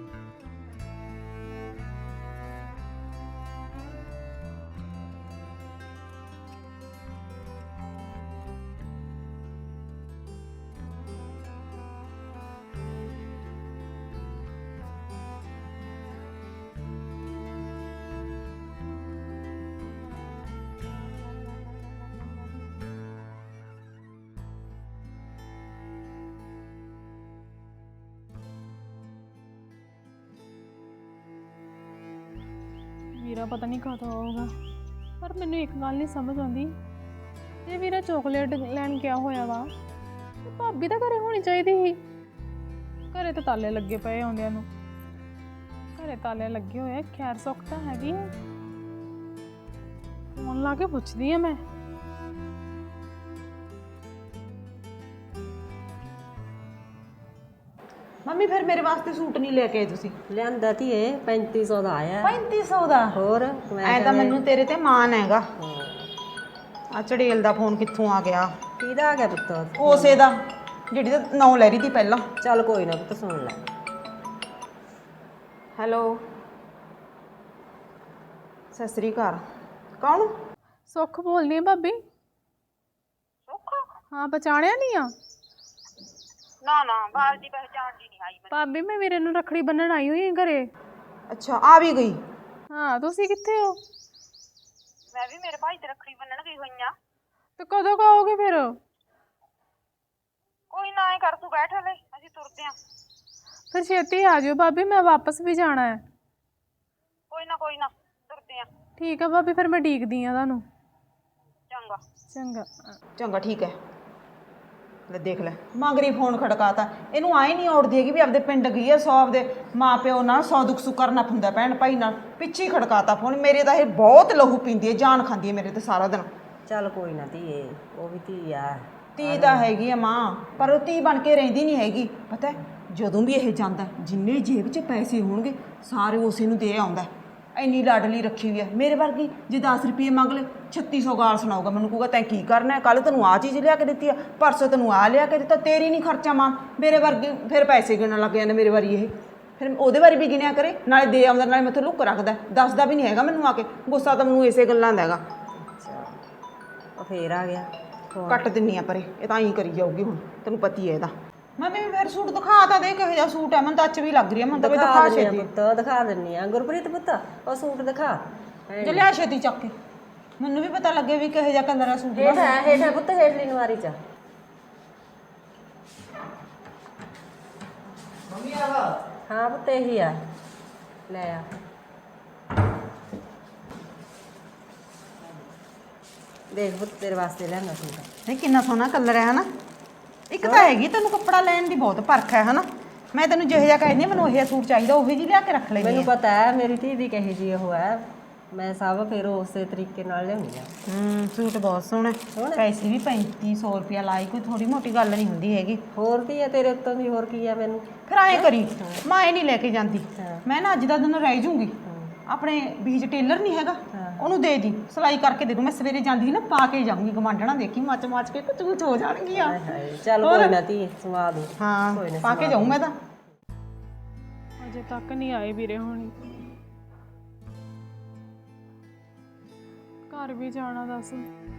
A: ਵੀਰਾ ਪਤਾ ਨਹੀਂ ਕਦੋਂ ਆਊਗਾ। ਪਰ ਮੈਨੂੰ ਇੱਕ ਗੱਲ ਨਹੀਂ ਸਮਝ ਆਉਂਦੀ, ਜੇ ਵੀਰਾ ਚਾਕਲੇਟ ਲੈਣ ਗਿਆ ਹੋਇਆ ਵਾ ਤੇ ਭਾਬੀ ਤਾਂ ਘਰੇ ਹੋਣੀ ਚਾਹੀਦੀ ਸੀ। ਘਰੇ ਤਾਂ ਤਾਲੇ ਲੱਗੇ ਪਏ ਆਉਂਦਿਆਂ ਨੂੰ। ਘਰੇ ਤਾਲੇ ਲੱਗੇ ਹੋਏ, ਖੈਰ ਸੁੱਖ ਤਾਂ ਹੈਗੀ। ਫੋਨ ਲਾ ਕੇ ਪੁੱਛਦੀ ਆ ਮੈਂ।
D: ਮੰਮੀ ਫਿਰ ਮੇਰੇ ਵਾਸਤੇ ਸੂਟ ਨਹੀਂ ਲੈ ਕੇ ਆਏ ਤੁਸੀਂ?
G: ਲਿਆਂਦਾ ਧੀਏ 3500 ਦਾ ਆਇਆ।
D: 3500 ਦਾ?
G: ਹੋਰ
D: ਐ ਤਾਂ ਮੈਨੂੰ ਤੇਰੇ ਤੇ ਮਾਣ ਹੈਗਾ। ਆ ਚੜੇਲ ਦਾ ਫੋਨ ਕਿੱਥੋਂ ਆ ਗਿਆ?
G: ਕਿਹਦਾ ਆ ਗਿਆ ਪੁੱਤ?
D: ਉਸੇ ਦਾ ਜਿਹੜੀ ਤਾਂ ਨਾਂ ਲੈ ਰਹੀ ਸੀ ਪਹਿਲਾਂ।
G: ਚੱਲ ਕੋਈ ਨਾ ਪੁੱਤ, ਸੁਣ ਲੈ।
D: ਹੈਲੋ, ਸਤਿ ਸ੍ਰੀ ਅਕਾਲ। ਕੌਣ?
A: ਸੁੱਖ ਬੋਲਦੀ ਆ ਭਾਬੀ।
C: ਸੁੱਖ?
A: ਹਾਂ, ਪਛਾਣਿਆ ਨਹੀਂ ਆ?
C: ਨਾ ਨਾ, ਬਾਹਰ ਦੀ ਪਹਿਚਾਣ ਜੀ ਨਹੀਂ ਆਈ ਮੈਨੂੰ।
A: ਭਾਬੀ ਮੈਂ ਵੀਰੇ ਨੂੰ ਰੱਖੜੀ ਬੰਨਣ ਆਈ ਹੋਈ ਹਾਂ ਘਰੇ।
D: ਅੱਛਾ, ਆ ਵੀ ਗਈ?
A: ਹਾਂ, ਤੁਸੀਂ ਕਿੱਥੇ ਹੋ?
C: ਮੈਂ ਵੀ ਮੇਰੇ ਭਾਈ ਤੇ ਰੱਖੜੀ ਬੰਨਣ ਗਈ ਹੋਈ ਆ।
A: ਤੇ ਕਦੋਂ ਕੁ ਆਓਗੇ ਫਿਰ?
C: ਕੋਈ ਨਾ, ਐ ਕਰ ਤੂੰ ਬੈਠ ਹਲੇ, ਅਸੀਂ ਤੁਰਦੇ ਆ।
A: ਫਿਰ ਛੇਤੀ ਆ ਜਿਓ ਭਾਬੀ, ਮੈਂ ਵਾਪਸ ਵੀ ਜਾਣਾ ਹੈ।
C: ਕੋਈ ਨਾ ਤੁਰਦੇ ਆ।
A: ਠੀਕ ਆ ਭਾਬੀ, ਫਿਰ ਮੈਂ ਡੀਕਦੀ ਆ ਤੁਹਾਨੂੰ।
C: ਚੰਗਾ
A: ਚੰਗਾ।
D: ਚੰਗਾ ਠੀਕ ਹੈ। ਲੈ ਦੇਖ ਲੈ, ਮੰਗਰੀ ਫੋਨ ਖੜਕਾਤਾ। ਇਹਨੂੰ ਆਏ ਨਹੀਂ ਔੜਦੀ ਹੈਗੀ ਵੀ ਆਪਦੇ ਪਿੰਡ ਗਈ ਹੈ। 100 ਆਪਦੇ ਮਾਂ ਪਿਓ ਨਾਲ 100 ਦੁੱਖ ਸੁੱਖ ਕਰਨਾ ਹੁੰਦਾ, ਭੈਣ ਭਾਈ ਨਾਲ। ਪਿੱਛੇ ਹੀ ਖੜਕਾਤਾ ਫੋਨ। ਮੇਰੇ ਤਾਂ ਇਹ ਬਹੁਤ ਲਹੂ ਪੀਂਦੀ ਹੈ, ਜਾਨ ਖਾਂਦੀ ਹੈ ਮੇਰੇ ਤੇ ਸਾਰਾ ਦਿਨ।
G: ਚੱਲ ਕੋਈ ਨਾ ਧੀਏ, ਉਹ ਵੀ ਧੀ ਆ।
D: ਧੀ ਤਾਂ ਹੈਗੀ ਆ ਮਾਂ, ਪਰ ਉਹ ਧੀ ਬਣ ਕੇ ਰਹਿੰਦੀ ਨਹੀਂ ਹੈਗੀ। ਪਤਾ ਜਦੋਂ ਵੀ ਇਹ ਜਾਂਦਾ, ਜਿੰਨੇ ਜੇਬ 'ਚ ਪੈਸੇ ਹੋਣਗੇ ਸਾਰੇ ਉਸੇ ਨੂੰ ਦੇ ਆਉਂਦਾ। ਇੰਨੀ ਲਾਡਲੀ ਰੱਖੀ ਹੋਈ ਹੈ। ਮੇਰੇ ਵਰਗੀ ਜੇ 10 ਰੁਪਏ ਮੰਗ ਲੈ 3600 ਗਾਲ ਸੁਣਾਊਗਾ ਮੈਨੂੰ। ਕਹੂਗਾ ਤੈਂ ਕੀ ਕਰਨਾ, ਕੱਲ ਤੈਨੂੰ ਆਹ ਚੀਜ਼ ਲਿਆ ਕੇ ਦਿੱਤੀ ਆ, ਪਰਸੋਂ ਤੈਨੂੰ ਆਹ ਲਿਆ ਕੇ ਦਿੱਤਾ, ਤੇਰੀ ਨਹੀਂ ਖਰਚਾ ਮਾਂ। ਮੇਰੇ ਵਰਗੀ ਫਿਰ ਪੈਸੇ ਗਿਣਨ ਲੱਗ ਜਾਂਦੇ ਮੇਰੇ ਵਾਰੀ। ਇਹ ਫਿਰ ਉਹਦੇ ਬਾਰੇ ਵੀ ਗਿਣਿਆ ਕਰੇ, ਨਾਲੇ ਦੇ ਆਉਂਦਾ, ਨਾਲੇ ਮੈਥੋਂ ਲੁੱਕ ਰੱਖਦਾ। ਦੱਸਦਾ ਵੀ ਨਹੀਂ ਹੈਗਾ ਮੈਨੂੰ ਆ ਕੇ। ਗੁੱਸਾ ਤਾਂ ਮੈਨੂੰ ਇਸੇ ਗੱਲਾਂ ਦਾ ਹੈਗਾ।
G: ਉਹ ਫੇਰ ਆ ਗਿਆ।
D: ਕੱਟ ਦਿੰਨੀ ਆ ਪਰੇ, ਇਹ ਤਾਂ ਹੀ ਕਰੀ ਜਾਊਗੀ ਹੁਣ, ਤੈਨੂੰ ਪਤੀ ਹੈ ਇਹਦਾ। ਮੰਮੀ ਫਿਰ ਸੂਟ ਦਿਖਾ ਤਾਂ ਦੇ, ਕਿਹੋ ਜਿਹਾ ਸੂਟ ਹੈ? ਮੈਨੂੰ ਤਾਂ ਅੱਛ ਵੀ ਲੱਗ ਰਹੀ ਹੈ। ਮੈਨੂੰ ਤਾਂ ਦਿਖਾ ਛੇਤੀ
G: ਪੁੱਤ, ਦਿਖਾ ਦਿੰਨੀ ਆ। ਗੁਰਪ੍ਰੀਤ ਪੁੱਤ, ਉਹ ਸੂਟ ਦਿਖਾ।
D: ਜੇ ਲਿਆ ਛੇਤੀ ਚੱਕ ਕੇ, ਮੈਨੂੰ ਵੀ ਪਤਾ ਲੱਗੇ ਵੀ ਕਿਹੋ ਜਿਹਾ ਕਲਰ ਹੈ ਸੂਟ ਦਾ।
G: ਹੇਠ ਪੁੱਤ, ਹੇਠਲੀ ਨਵਾਰੀ ਚ।
H: ਮੰਮੀ ਆਵਾ
G: ਹਾਂ ਪੁੱਤ, ਇਹੀ ਆ, ਲੈ ਆ। ਦੇਖ ਪੁੱਤ, ਤੇਰੇ ਵਾਸਤੇ ਲੈਣਾ ਸੂਟ।
D: ਨਹੀਂ ਕਿੰਨਾ ਸੋਹਣਾ ਕਲਰ ਹੈ ਹਨਾ। ਇੱਕ ਤਾਂ ਹੈਗੀ ਤੈਨੂੰ ਕੱਪੜਾ ਲੈਣ ਦੀ ਬਹੁਤ ਪਰਖ ਹੈ ਹਨਾ। ਮੈਂ ਤੈਨੂੰ ਜਿਹੋ ਜਿਹਾ ਕਹਿੰਦੀ ਮੈਨੂੰ ਉਹ ਜਿਹਾ ਸੂਟ ਚਾਹੀਦਾ, ਉਹੀ ਜਿਹੀ ਲਿਆ ਕੇ ਰੱਖ ਲੈਂਦੀ।
G: ਮੈਨੂੰ ਪਤਾ ਹੈ ਮੇਰੀ ਧੀ ਦੀ ਕਹੀ ਜੀ ਉਹ ਹੈ। ਮੈਂ ਸਭ ਫਿਰ ਉਸੇ ਤਰੀਕੇ ਨਾਲ ਲਿਆਉਣੀ ਆ।
D: ਸੂਟ ਬਹੁਤ ਸੋਹਣਾ। ਪੈਸੇ ਵੀ 3500 ਰੁਪਇਆ ਲਾਈ, ਕੋਈ ਥੋੜੀ ਮੋਟੀ ਗੱਲ ਨਹੀਂ ਹੁੰਦੀ ਹੈਗੀ।
G: ਹੋਰ ਕੀ ਹੈ ਤੇਰੇ ਉੱਤੋਂ ਦੀ, ਹੋਰ ਕੀ ਆ ਮੈਨੂੰ।
D: ਫਿਰ ਐਂ ਕਰੀ, ਮੈਂ ਇਹ ਨਹੀਂ ਲੈ ਕੇ ਜਾਂਦੀ। ਮੈਂ ਨਾ ਅੱਜ ਦਾ ਦਿਨ ਰਹਿ ਜੂੰਗੀ। ਆਪਣੇ ਬੀਜ ਟੇਲਰ ਨਹੀਂ ਹੈਗਾ, ਉਹਨੂੰ ਦੇ ਦੀ, ਸਿਲਾਈ ਕਰਕੇ ਦੇ ਦੂੰ। ਮੈਂ ਸਵੇਰੇ ਜਾਂਦੀ ਨਾ ਪਾ ਕੇ ਜਾਊਂਗੀ ਗਵਾਂਢਣਾ, ਦੇਖੀ ਮੱਚ ਮੱਚ ਕੇ ਕੁਝ ਕੁਝ ਹੋ ਜਾਣਗੀਆਂ।
G: ਚੱਲ ਕੋਈ ਨਾ ਧੀ, ਸਵਾ ਦੂੰ।
D: ਹਾਂ,
G: ਕੋਈ ਨਾ,
D: ਪਾ ਕੇ ਜਾਊਂ ਮੈਂ ਤਾਂ।
A: ਅਜੇ ਤੱਕ ਨਹੀਂ ਆਏ ਵੀਰੇ ਹੋਣੀ। ਘਰ ਵੀ ਜਾਣਾ ਦੱਸ,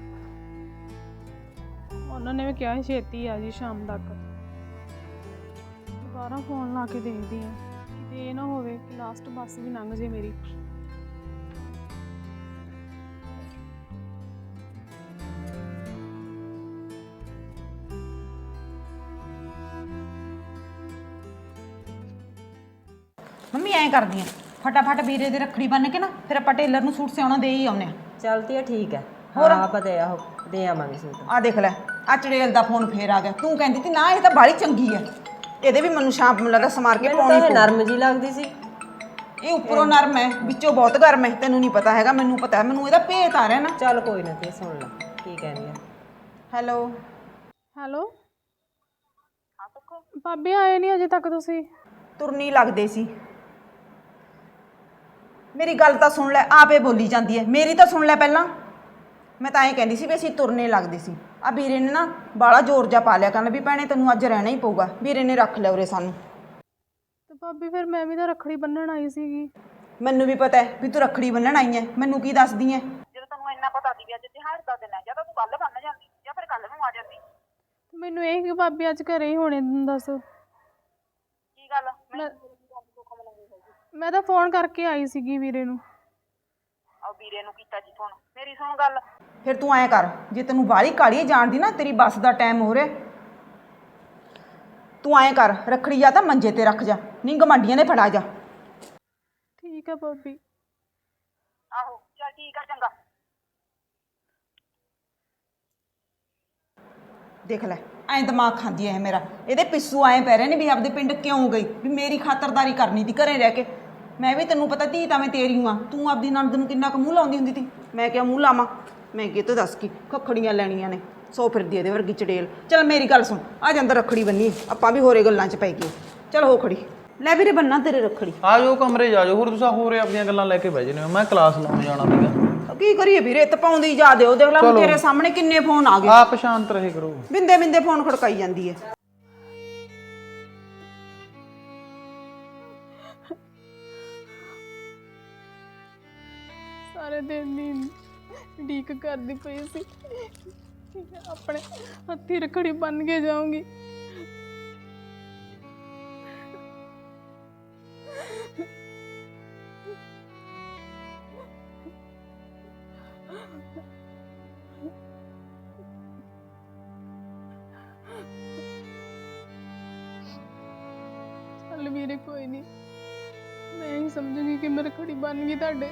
A: ਉਹਨਾਂ ਨੇ ਵੀ ਕਿਹਾ ਸੀ ਛੇਤੀ ਆ ਜੀ ਸ਼ਾਮ ਤੱਕ। ਦੁਬਾਰਾ ਫੋਨ ਲਾ ਕੇ ਦੇਖਦੀ ਆ, ਕਿਤੇ ਇਹ ਨਾ ਹੋਵੇ ਕਿ ਲਾਸਟ ਬੱਸ ਵੀ ਲੰਘ ਜੇ ਮੇਰੀ।
D: ਮੰਮੀ ਐਂ ਕਰਦੀ ਆ, ਫਟਾਫਟ ਵੀਰੇ ਦੇ ਰੱਖੜੀ ਬੰਨ ਕੇ ਨਾ ਫਿਰ ਆਪਾਂ ਟੇਲਰ ਨੂੰ ਸੂਟ ਸਿਉਣਾ ਦੇ ਹੀ ਆਉਨੇ ਆ।
G: ਚੱਲਦੀ ਆ, ਠੀਕ ਹੈ।
D: ਹੋਰ?
G: ਹਾਂ ਆਪਾਂ ਦੇ ਆਵਾਂਗੇ ਸੂਟ।
D: ਆ ਦੇਖ ਲੈ, ਆ ਚੜੇਲ ਦਾ ਫੋਨ ਫੇਰ ਆ ਗਿਆ। ਤੂੰ ਕਹਿੰਦੀ ਤੀ ਨਾ ਇਹ ਤਾਂ ਬਾਹਲੀ ਚੰਗੀ ਆ, ਇਹਦੇ ਵੀ ਮੈਨੂੰ ਸ਼ਾਮ ਨੂੰ ਲੱਗਾ ਸਮਾਰ ਕੇ
G: ਮੈਨੂੰ ਤਾਂ
D: ਪਾਉਣੀ
G: ਇਹ
D: ਪਊ।
G: ਨਰਮ ਜੀ ਲੱਗਦੀ ਸੀ।
D: ਇਹ ਉੱਪਰੋਂ ਨਰਮ ਹੈ, ਵਿੱਚੋਂ ਬਹੁਤ ਗਰਮ ਹੈ। ਤੈਨੂੰ ਨਹੀਂ ਪਤਾ ਹੈਗਾ, ਮੈਨੂੰ ਪਤਾ ਹੈ। ਮੈਨੂੰ ਇਹਦਾ ਭੇਤ ਆ ਰਿਹਾ ਨਾ।
G: ਚੱਲ ਕੋਈ ਨਾ, ਤੇ ਸੁਣ ਲੈ ਕੀ ਕਹਿੰਦੀ ਆ।
D: ਹੈਲੋ
A: ਹੈਲੋ ਭਾਬੀ, ਆਏ ਨਹੀਂ ਅਜੇ ਤੱਕ ਤੁਸੀਂ?
D: ਤੁਰਨੀ ਲੱਗਦੇ ਸੀ। ਮੇਰੀ ਗੱਲ ਤਾਂ ਸੁਣ ਲੈ, ਆਪੇ ਬੋਲੀ ਜਾਂਦੀ ਹੈ। ਮੇਰੀ ਤਾਂ ਸੁਣ ਲੈ ਪਹਿਲਾਂ। ਮੈਂ ਤਾਂ ਐਂ ਕਹਿੰਦੀ ਸੀ ਵੀ ਅਸੀਂ ਤੁਰਨੇ ਲੱਗਦੇ ਸੀ। ਆ ਵੀਰੇ ਨੇ ਨਾ ਬਾਲਾ ਜ਼ੋਰ ਜਾ ਪਾ ਲਿਆ, ਕਹਿੰਦਾ ਵੀ ਭੈਣੇ ਤੈਨੂੰ ਅੱਜ ਰਹਿਣਾ ਹੀ ਪਊਗਾ। ਵੀਰੇ ਨੇ ਰੱਖ ਲਿਆ ਉਰੇ ਸਾਨੂੰ।
A: ਤੇ ਭਾਬੀ ਫਿਰ ਮੈਂ ਵੀ ਤਾਂ ਰੱਖੜੀ ਬੰਨਣ ਆਈ ਸੀਗੀ।
D: ਮੈਨੂੰ ਵੀ ਪਤਾ ਹੈ ਵੀ ਤੂੰ ਰੱਖੜੀ ਬੰਨਣ ਆਈ ਹੈ, ਮੈਨੂੰ ਕੀ ਦੱਸਦੀ ਹੈ?
C: ਜਦੋਂ ਤੈਨੂੰ ਇੰਨਾ ਪਤਾ ਸੀ ਵੀ ਅੱਜ ਤਿਉਹਾਰ ਦਾ ਦਿਨ ਹੈ, ਜਾਂ ਤਾਂ ਤੂੰ ਕੱਲ ਬੰਨ ਜਾਂਦੀ ਜਾਂ ਫਿਰ ਕੱਲ ਨੂੰ ਆ ਜਾਂਦੀ।
A: ਮੈਨੂੰ ਇਹ ਕਿ ਭਾਬੀ ਅੱਜ ਘਰੇ ਹੀ ਹੋਣੇ, ਦੱਸ।
C: ਕੀ ਗੱਲ?
A: ਮੈਂ ਤਾਂ ਫੋਨ ਕਰਕੇ ਆਈ ਸੀਗੀ ਵੀਰੇ ਨੂੰ।
C: ਆ ਵੀਰੇ ਨੂੰ ਕੀਤਾ ਜੀ ਫੋਨ? ਮੇਰੀ ਸੁਣ ਗੱਲ,
D: ਫਿਰ ਤੂੰ ਐਂ ਕਰ, ਜੇ ਤੈਨੂੰ ਬਾਹਲੀ ਕਾਹਲੀ ਜਾਣਦੀ ਨਾ, ਤੇਰੀ ਬੱਸ ਦਾ ਟਾਈਮ ਹੋ ਰਿਹਾ, ਤੂੰ ਐਂ ਕਰ, ਰੱਖੜੀ ਜਾਂ ਤਾਂ ਮੰਜੇ ਤੇ ਰੱਖ ਜਾ, ਨਹੀਂ ਗਮਾਂਡੀਆਂ ਨੇ ਫੜਾ ਜਾ।
A: ਠੀਕ ਆ ਭਾਬੀ।
C: ਆਹੋ ਚੱਲ ਠੀਕ ਆ, ਚੰਗਾ।
D: ਦੇਖ ਲੈ, ਐਂ ਦਿਮਾਗ ਖਾਂਦੀ ਐ ਮੇਰਾ। ਇਹਦੇ ਪਿੱਸੂ ਐਂ ਪੈ ਰਹੇ ਨੇ ਵੀ ਆਪਦੇ ਪਿੰਡ ਕਿਉਂ ਗਈ, ਵੀ ਮੇਰੀ ਖਾਤਰਦਾਰੀ ਕਰਨੀ ਤੀ ਘਰੇ ਰਹਿ ਕੇ। ਮੈਂ ਵੀ ਤੈਨੂੰ ਪਤਾ ਧੀ ਤਾਂ ਮੈਂ ਤੇਰੀ ਹਾਂ। ਤੂੰ ਆਪਦੀ ਨਣਦ ਨੂੰ ਕਿੰਨਾ ਕੁ ਮੂੰਹ ਲਾਉਂਦੀ ਹੁੰਦੀ ਤੀ, ਮੈਂ ਕਿਹਾ ਮੂੰਹ ਲਾਵਾਂ? ਮੈਂ ਕਿਹਾ ਦੱਸ ਕੀ ਖੱਖੜੀਆਂ ਲੈਣੀਆਂ ਨੇ, ਸੋ ਫਿਰਦੀ ਇਹਦੇ ਵਰਗੀ ਚੜੇਲ। ਚੱਲ ਮੇਰੀ ਗੱਲ ਸੁਣ, ਆ ਜਾ ਅੰਦਰ ਰੱਖੜੀ ਬੰਨੀ, ਆਪਾਂ ਵੀ ਹੋਰੇ ਗੱਲਾਂ 'ਚ ਪੈ ਗਏ। ਚੱਲ ਹੋ ਖੜੀ, ਲੈ ਵੀਰੇ ਬੰਨਾ ਤੇਰੇ ਰੱਖੜੀ।
H: ਆ ਜਾਓ ਕਮਰੇ ਜਾ ਜਾਓ, ਹੋਰ ਤੁਸੀਂ ਹੋਰ ਆਪਣੀਆਂ ਗੱਲਾਂ ਲੈ ਕੇ ਬਹਿ ਜਨੇ। ਮੈਂ ਕਲਾਸ ਲਾਉਣ ਜਾਣਾ ਸੀਗਾ।
D: ਕੀ ਕਰੀਏ ਵੀਰੇ, ਤਪਾਉਂਦੀ ਜਾ ਦਿਓ। ਦੇਖ ਲੈ ਤੇਰੇ ਸਾਹਮਣੇ ਕਿੰਨੇ ਫੋਨ ਆ ਗਏ।
H: ਆਪ ਸ਼ਾਂਤ ਰਹੇ ਕਰੋ।
D: ਬਿੰਦੇ ਬਿੰਦੇ ਫੋਨ ਖੜਕਾਈ ਜਾਂਦੀ ਹੈ।
A: ਸਾਰੇ ਦਿਨ ਦੀ ਢੀਕ ਕਰਦੀ ਪਈ ਸੀ, ਆਪਣੇ ਹੱਥੀ ਰੱਖੜੀ ਬੰਨ ਕੇ ਜਾਊਂਗੀ। ਚੱਲ ਵੀਰੇ ਕੋਈ ਨਹੀਂ, ਮੈਂ ਹੀ ਸਮਝੂਗੀ ਕਿ ਮੈਂ ਰੱਖੜੀ ਬੰਨ ਗਈ ਤੁਹਾਡੇ।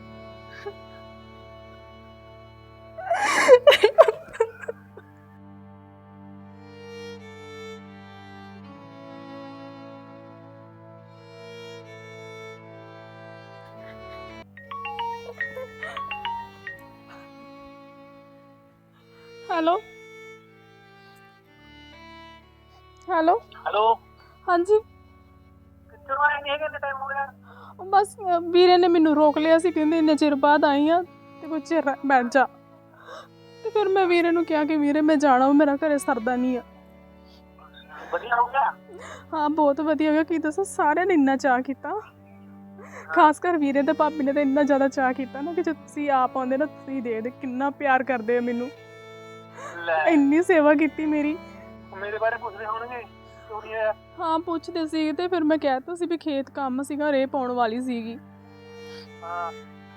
A: ਹੈਲੋ ਹੈਲੋ
C: ਹੈਲੋ,
A: ਹਾਂਜੀ।
C: ਕਿੱਥੋਂ ਆਏ ਨੇ? ਕਿੰਨੇ ਟਾਈਮ ਹੋ ਗਿਆ?
A: ਉਹ ਬਸ ਵੀਰੇ ਨੇ ਮੈਨੂੰ ਰੋਕ ਲਿਆ ਸੀ, ਕਹਿੰਦੇ ਇੰਨੇ ਚਿਰ ਬਾਅਦ ਆਈ ਆ ਤੇ ਕੁਝ ਚਿਰ ਬੈਠ ਜਾ। ਤੇ ਫਿਰ ਮੈਂ ਵੀਰੇ ਨੂੰ ਕਿਹਾ ਕਿ ਵੀਰੇ ਮੈਂ ਜਾਣਾ, ਮੇਰਾ ਘਰੇ ਸਰਦਾ ਨਹੀਂ ਆ।
C: ਵਧੀਆ ਹੋ ਗਿਆ?
A: ਹਾਂ ਬਹੁਤ ਵਧੀਆ ਹੋ ਗਿਆ। ਕੀ ਦੱਸਾਂ, ਸਾਰਿਆਂ ਨੇ ਇੰਨਾ ਚਾਅ ਕੀਤਾ, ਖਾਸ ਕਰ ਵੀਰੇ ਤੇ ਭਾਬੀ ਨੇ ਤਾਂ ਇੰਨਾ ਜ਼ਿਆਦਾ ਚਾਅ ਕੀਤਾ ਨਾ ਕਿ ਜੇ ਤੁਸੀਂ ਆਪ ਆਉਂਦੇ ਨਾ, ਤੁਸੀਂ ਦੇਖਦੇ ਕਿੰਨਾ ਪਿਆਰ ਕਰਦੇ ਆ ਮੈਨੂੰ। ਇੰਨੀ ਸੇਵਾ ਕੀਤੀ ਮੇਰੀ।
C: ਮੇਰੇ ਬਾਰੇ ਪੁੱਛਦੇ ਹੋਣਗੇ ਕਿਉਂ ਨਹੀਂ ਆਇਆ?
A: ਹਾਂ ਪੁੱਛਦੇ ਸੀ, ਤੇ ਫਿਰ ਮੈਂ ਕਹਿ ਤਾ ਸੀ ਵੀ ਖੇਤ ਕੰਮ ਸੀਗਾ, ਰੇਹ ਪਾਉਣ ਵਾਲੀ ਸੀਗੀ।
C: ਹਾਂ,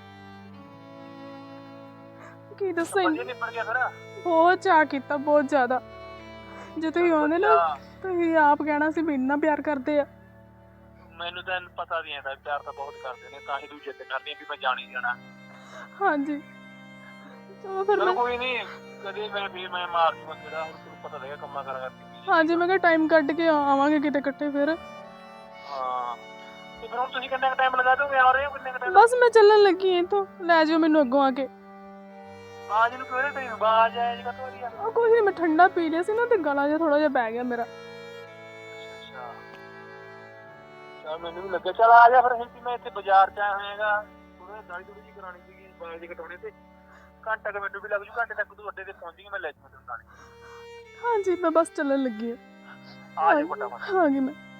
A: ਕੀ ਦੱਸਾਂ,
C: ਵਧੀਆ ਨਿਬੜ ਗਿਆ ਫਿਰ।
A: ਬਹੁਤ ਚਾਅ ਕੀਤਾ, ਬਹੁਤ ਜ਼ਿਆਦਾ। ਜੇ ਤੁਸੀਂ ਆਉਂਦੇ ਨਾ, ਤੁਸੀਂ ਆਪ ਕਹਿਣਾ ਸੀ ਵੀ ਇੰਨਾ ਪਿਆਰ ਕਰਦੇ ਆ।
C: ਮੈਨੂੰ ਤਾਂ ਪਤਾ ਨਹੀਂ ਹੈ, ਪਿਆਰ ਤਾਂ ਬਹੁਤ ਕਰਦੇ ਨੇ, ਤਾਂ ਹੀ ਤੂੰ ਜਿੱਦ ਕਰਦੀ ਵੀ ਮੈਂ ਜਾਣੀ ਜਾਣਾ।
A: ਹਾਂਜੀ ਚਲੋ ਫਿਰ ਮੈਂ,
C: ਕੋਈ ਨਹੀਂ, ਕਦੇ ਮੈਂ ਮਾਰ ਦੂੰਗਾ ਜਿਹੜਾ, ਹੁਣ ਤੈਨੂੰ ਪਤਾ ਲੱਗਾ ਕੰਮਾਂ ਕਰਾ ਕਰਕੇ।
A: ਹਾਂਜੀ ਮੈਂ ਕਿਹਾ ਟਾਈਮ ਕੱਢ ਕੇ ਆਵਾਂਗੇ ਕਿਤੇ ਇਕੱਠੇ ਫਿਰ।
C: ਹਾਂ, ਤੇ ਫਿਰ ਹੁਣ ਤੁਸੀਂ ਕਿੰਨਾ ਕੁ ਟਾਈਮ ਲਗਾ ਦੋਗੇ? ਆ ਰਹੇ ਹੋ ਕਿੰਨੇ ਕੁ ਟਾਈਮ?
A: ਬਸ ਮੈਂ ਚੱਲਣ ਲੱਗੀ ਇੱਥੋਂ, ਲੈ ਜਾਓ ਮੈਨੂੰ ਅੱਗੋਂ ਆ ਕੇ।
C: ਬਾਜ ਨੂੰ ਕਿਹੜੇ ਟਾਈਮ ਬਾਜ ਆਇਆ ਜੀ? ਕਦੋਂ ਆ?
A: ਉਹ ਕੁਝ ਨਹੀਂ, ਮੈਂ ਠੰਡਾ ਪੀ ਲਿਆ ਸੀ ਨਾ ਤੇ ਗਲਾ ਜਿਹਾ ਥੋੜਾ ਜਿਹਾ ਬਹਿ ਗਿਆ ਮੇਰਾ।
C: ਅੱਛਾ, ਚਲ ਮੈਨੂੰ ਵੀ ਲੱਗਿਆ। ਚਲ ਆ ਜਾ ਫਿਰ, ਮੈਂ ਇੱਥੇ ਬਾਜ਼ਾਰ ਚ ਆਇਆ ਹੋਇਆਗਾ, ਥੋੜਾ ਦਾੜੀ ਦੂੜੀ ਜੀ ਕਰਾਉਣੀ ਸੀਗੀ, ਬਾਲ ਜੀ ਕਟਾਉਣੇ ਤੇ। ਘੰਟਾ ਕੁ ਮੈਨੂੰ ਵੀ ਲੱਗ ਜੂ, ਘੰਟੇ ਤੱਕ ਤੂੰ ਅੱਡੇ ਤੇ ਪਹੁੰਚੀ, ਮੈਂ ਲੈ ਜਾਵਾਂ ਤੈਨੂੰ ਨਾਲ।
A: ਹਾਂਜੀ ਮੈਂ ਬਸ ਚੱਲਣ ਲੱਗੀ
C: ਆ ਜਾ ਫਟਾਫਟ।
A: ਹਾਂਜੀ ਮੈਂ